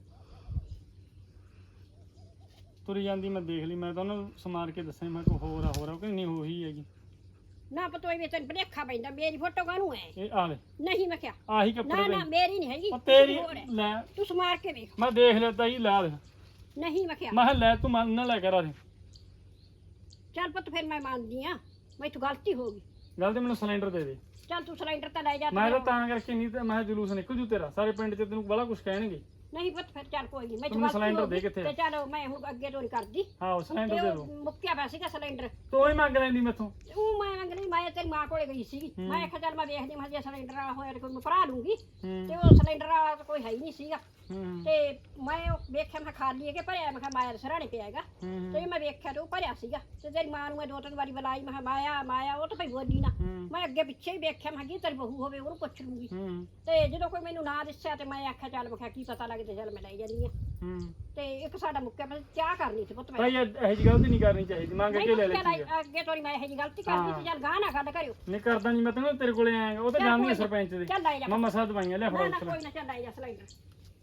S4: ਤੁਰੀ ਜਾਂਦੀ ਮੈਂ ਦੇਖ ਲਈ ਮੈਂ ਤਾਂ ਉਹਨੂੰ ਸਮਾਰ ਕੇ ਦੱਸਿਆ ਮੈਂ ਕੋਈ ਹੋਰ ਆ ਕਿ ਨਹੀਂ ਉਹੀ ਹੈਗੀ
S1: ਨਾ ਪਤੋਈ ਵੀ ਤੈਨੂੰ ਭਲੇਖਾ ਪੈਂਦਾ ਮੇਰੀ ਫੋਟੋ ਕਾਹਨੂੰ ਹੈ
S4: ਇਹ ਆ ਲੈ
S1: ਨਹੀਂ ਮੈਂ ਕਿਹਾ
S4: ਆਹੀ ਕੱਪੜੇ
S1: ਨਾ ਨਾ
S4: ਪਏ
S1: ਮੇਰੀ ਨਹੀਂ ਹੈਗੀ
S4: ਉਹ ਤੇਰੀ
S1: ਹੋਰ ਹੈ।
S4: ਲੈ
S1: ਤੂੰ ਸਮਾਰ ਕੇ ਵੇਖ
S4: ਮੈਂ ਦੇਖ ਲਿਆ ਤਾਈ ਲਾ ਦੇ
S1: ਨਹੀਂ ਮੈਂ ਕਿਹਾ
S4: ਮੈਂ ਕਿਹਾ ਲੈ ਤੂੰ ਮੰਨ ਨਾ ਲੈ ਕਰ ਆ ਦੇ
S1: ਚੱਲ ਪੁੱਤ ਫਿਰ ਮੈਂ ਮੰਨਦੀ ਆ ਮੈਥੋਂ ਗਲਤੀ ਹੋ ਗਈ
S4: ਗੱਲ ਤੇ ਮੈਨੂੰ ਸਿਲੰਡਰ ਦੇ ਦੇ
S1: ਚੱਲ ਤੂੰ ਸਿਲੰਡਰ ਤਾਂ ਲੈ ਜਾ
S4: ਮੈਂ ਤਾਂ ਕਰਕੇ ਨਹੀਂ ਤੇ ਮੈਂ ਕਿਹਾ ਜਲੂਸ ਨਿਕਲ ਜੂ ਤੇਰਾ ਸਾਰੇ ਪਿੰਡ 'ਚ ਤੈਨੂੰ ਬੜਾ ਕੁਝ ਕਹਿਣਗੇ
S1: ਨਹੀਂ ਪੁੱਤ ਫਿਰ ਚੱਲ ਕੋਈ ਨਹੀਂ
S4: ਤੂੰ ਮੈਨੂੰ ਸਿਲੰਡਰ ਦੇ ਕਿੱਥੇ ਆ?
S1: ਤੇ ਚੱਲ ਮੈਂ ਹੁਣ ਅੱਗੇ ਤੋਂ ਨਹੀਂ ਕਰਦੀ
S4: ਹਾਂ ਸਿਲੰਡਰ
S1: ਤੇ
S4: ਦੇ
S1: ਉਹ
S4: ਦੋ
S1: ਮੁੱਕਿਆ ਪਿਆ ਸੀਗਾ ਸਿਲੰਡਰ
S4: ਤੂੰ ਹੀ ਮੰਗ ਲੈਂਦੀ ਮੈਥੋਂ
S1: ਉਹ ਮੈਂ ਅੰਗਲੀ ਮੈਂ ਤੇਰੀ ਮਾਂ ਕੋਲੇ ਗਈ ਸੀਗੀ ਮੈਂ ਆਖਿਆ ਚੱਲ ਮੈਂ ਵੇਖਦੀ ਮੈਂ ਜੇ ਸਿਲੰਡਰ ਵਾਲਾ ਹੋਇਆ ਤੇ ਕੋਈ ਮੈਂ ਭਰਾ ਲੂੰਗੀ
S4: ਹੂੰ
S1: ਤੇ ਉਹ ਸਿਲੰਡਰ ਵਾਲਾ ਤਾਂ ਕੋਈ ਹੈ ਹੀ ਨਹੀਂ ਸੀਗਾ
S4: ਹੂੰ
S1: ਤੇ ਮੈਂ ਉਹ ਵੇਖਿਆ ਮੈਂ ਖਾਲੀ ਹੈ ਕਿ ਭਰਿਆ ਮੈਂ ਕਿਹਾ ਮਾਇਆ ਦੇ ਸਰਾਣੇ ਪਿਆ ਹੈਗਾ
S4: ਹੂੰ
S1: ਤੇ ਮੈਂ ਵੇਖਿਆ ਤੇ ਉਹ ਭਰਿਆ ਸੀਗਾ ਤੇ ਤੇਰੀ ਮਾਂ ਨੂੰ ਮੈਂ 2-3 ਵਾਰੀ ਬੁਲਾਈ ਮੈਂ ਕਿਹਾ ਮਾਇਆ ਮਾਇਆ ਉਹ ਤਾਂ ਭਈ ਬੋਲੀ ਨਾ
S4: ਹੂੰ
S1: ਮੈਂ ਅੱਗੇ ਪਿੱਛੇ ਹੀ ਵੇਖਿਆ ਮੈਂ ਕਿਹਾ ਤੇਰੀ ਬਹੂ ਹੋਵੇ ਉਹਨੂੰ ਪੁੱਛ ਲੂੰਗੀ
S4: ਹੂੰ
S1: ਤੇ ਜਦੋਂ ਕੋਈ ਮੈਨੂੰ ਨਾ ਦੱਸਿਆ ਤੇ ਮੈਂ ਆਖਿਆ ਚੱਲ ਮੈਂ ਕਿਹਾ ਕੀ ਪਤਾ ਲੱਗਦਾ ਚੱਲ ਮੈਂ ਲੈ ਜਾਂਦੀ ਆ
S4: ਹੂੰ
S1: ਤੇ ਇੱਕ ਸਾਡਾ ਮੁੱਕਿਆ ਪਿਆ ਚਾਹ ਕਰਨੀ ਸੀ ਪੁੱਤ ਮੈਂ
S4: ਭਾਈ ਇਹ ਜੀ ਗਲਤੀ ਨਹੀਂ ਕਰਨੀ ਚਾਹੀਦੀ ਮੰਗ ਕੇ ਲੈ ਲੈ
S1: ਚੱਲ ਅੱਗੇ ਤੋਂ ਨੀ ਮੈਂ ਇਹੋ ਜਿਹੀ ਗਲਤੀ ਕਰਦੀ ਤੇ ਚੱਲ ਗਾਹ ਨਾ ਗੱਲ ਕਰਿਓ
S4: ਨਹੀਂ ਕਰਦਾ ਨਹੀਂ ਮੈਂ ਤੈਨੂੰ ਤੇਰੇ ਕੋਲੇ ਆਇਆ ਉਹ ਤਾਂ
S1: ਚੱਲ
S4: ਜਾਣਦੀ
S1: ਕੋਈ
S4: ਹੈ ਸਰਪੰਚ ਦੇ
S1: ਚੱਲ ਲੈ ਜਾ
S4: ਮੈਂ ਮਸਾ ਦਵਾਈਆਂ ਲਿਆ
S1: ਨਾ
S4: ਫੜਾ
S1: ਨਾ
S4: ਉੱਥੇ
S1: ਕੋਈ ਨਾ ਚੱਲ ਲੈ ਜਾ ਸਿਲੰਡਰ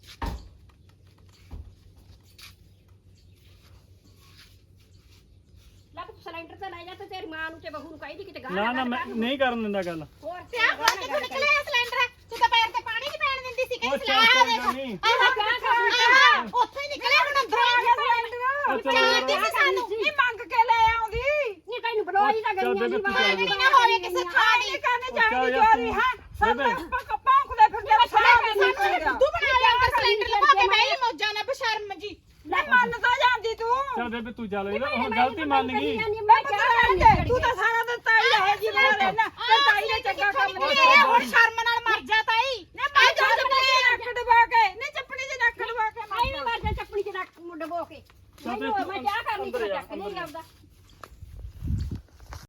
S1: ਲੱਗ ਸਿਲੰਡਰ ਤਾਂ ਲੈ ਜਾ ਤੇ ਤੇਰੀ ਮਾਂ ਨੂੰ ਤੇ ਬਹੂ ਨੂੰ ਕਹੀ ਕਿਤੇ ਗਾਹ
S4: ਨਾ ਨਾ ਮੈਂ ਨਹੀਂ ਕਰਨ ਦਿੰਦਾ ਗੱਲ
S1: ਹੋਰ
S2: ਤੇ ਆ ਹੁਣ ਕਿੱਥੋਂ ਨਿਕਲਿਆ ਸਿਲੰਡਰ ਤੂੰ ਤਾਂ ਪੈਰ ਤੇ ਪਾਣੀ ਨਹੀਂ ਪੈਣ ਦਿੰਦੀ ਸੀ
S4: ਉਹ
S2: ਕਿ
S4: ਚੱਲ
S2: ਸਲਾਹ
S4: ਕੋਈ ਗੱਲ
S2: ਦੇਖ
S4: ਨਹੀਂ
S2: ਉੱਥੋਂ ਹੀ ਨਿਕਲਿਆ ਹੁਣ ਅੰਦਰ ਆ ਗਿਆ ਸਿਲੰਡਰ
S4: ਉਹ ਚਲੋ
S2: ਚਾਹਤੀ ਸੀ ਸਾਨੂੰ
S3: ਨਹੀਂ ਮੰਗ ਕੇ ਲੈ ਆਉਂਦੀ
S1: ਨਹੀਂ ਤੈਨੂੰ ਬਲੋਈ ਤਾਂ
S4: ਚੱਲ
S1: ਗਈਆਂ
S4: ਬੇਬੇ
S1: ਦੀ
S4: ਤੂੰ
S1: ਮਾਂ
S4: ਚੱਲ
S2: ਨਹੀਂ ਨਾ ਹੋਵੇ ਕਿਸੇ ਖਾਣੀ
S3: ਕਰਨੇ
S4: ਚੱਲ
S3: ਜਾਣੀ
S4: ਯਾਰ
S3: ਚੋਰੀ
S4: ਤੂੰ-
S3: ਹੈ ਸਭ
S4: ਬੇਬੇ।
S3: ਭੌਂਕਦੇ ਫਿਰਦੇ ਨੇ ਸਾਰੇ
S2: ਸਾਨੂੰ ਤੂੰ ਬਣਾ ਲਿਆ ਅੰਦਰ ਸਿਲੰਡਰ ਲਵਾ ਕੇ ਬਹਿ ਮੌਜਾਂ ਨਾਲ ਬਸ਼ਰਮ ਜੀ
S3: ਨਹੀਂ ਮੰਨ ਤਾਂ ਜਾਂਦੀ ਤੂੰ
S4: ਚੱਲ ਬੇਬੇ ਤੂੰ ਚੱਲ ਇਹਦਾ ਹੁਣ ਗਲਤੀ ਮੰਨ ਗਈ
S1: ਮੈਂ ਕਿਹਾ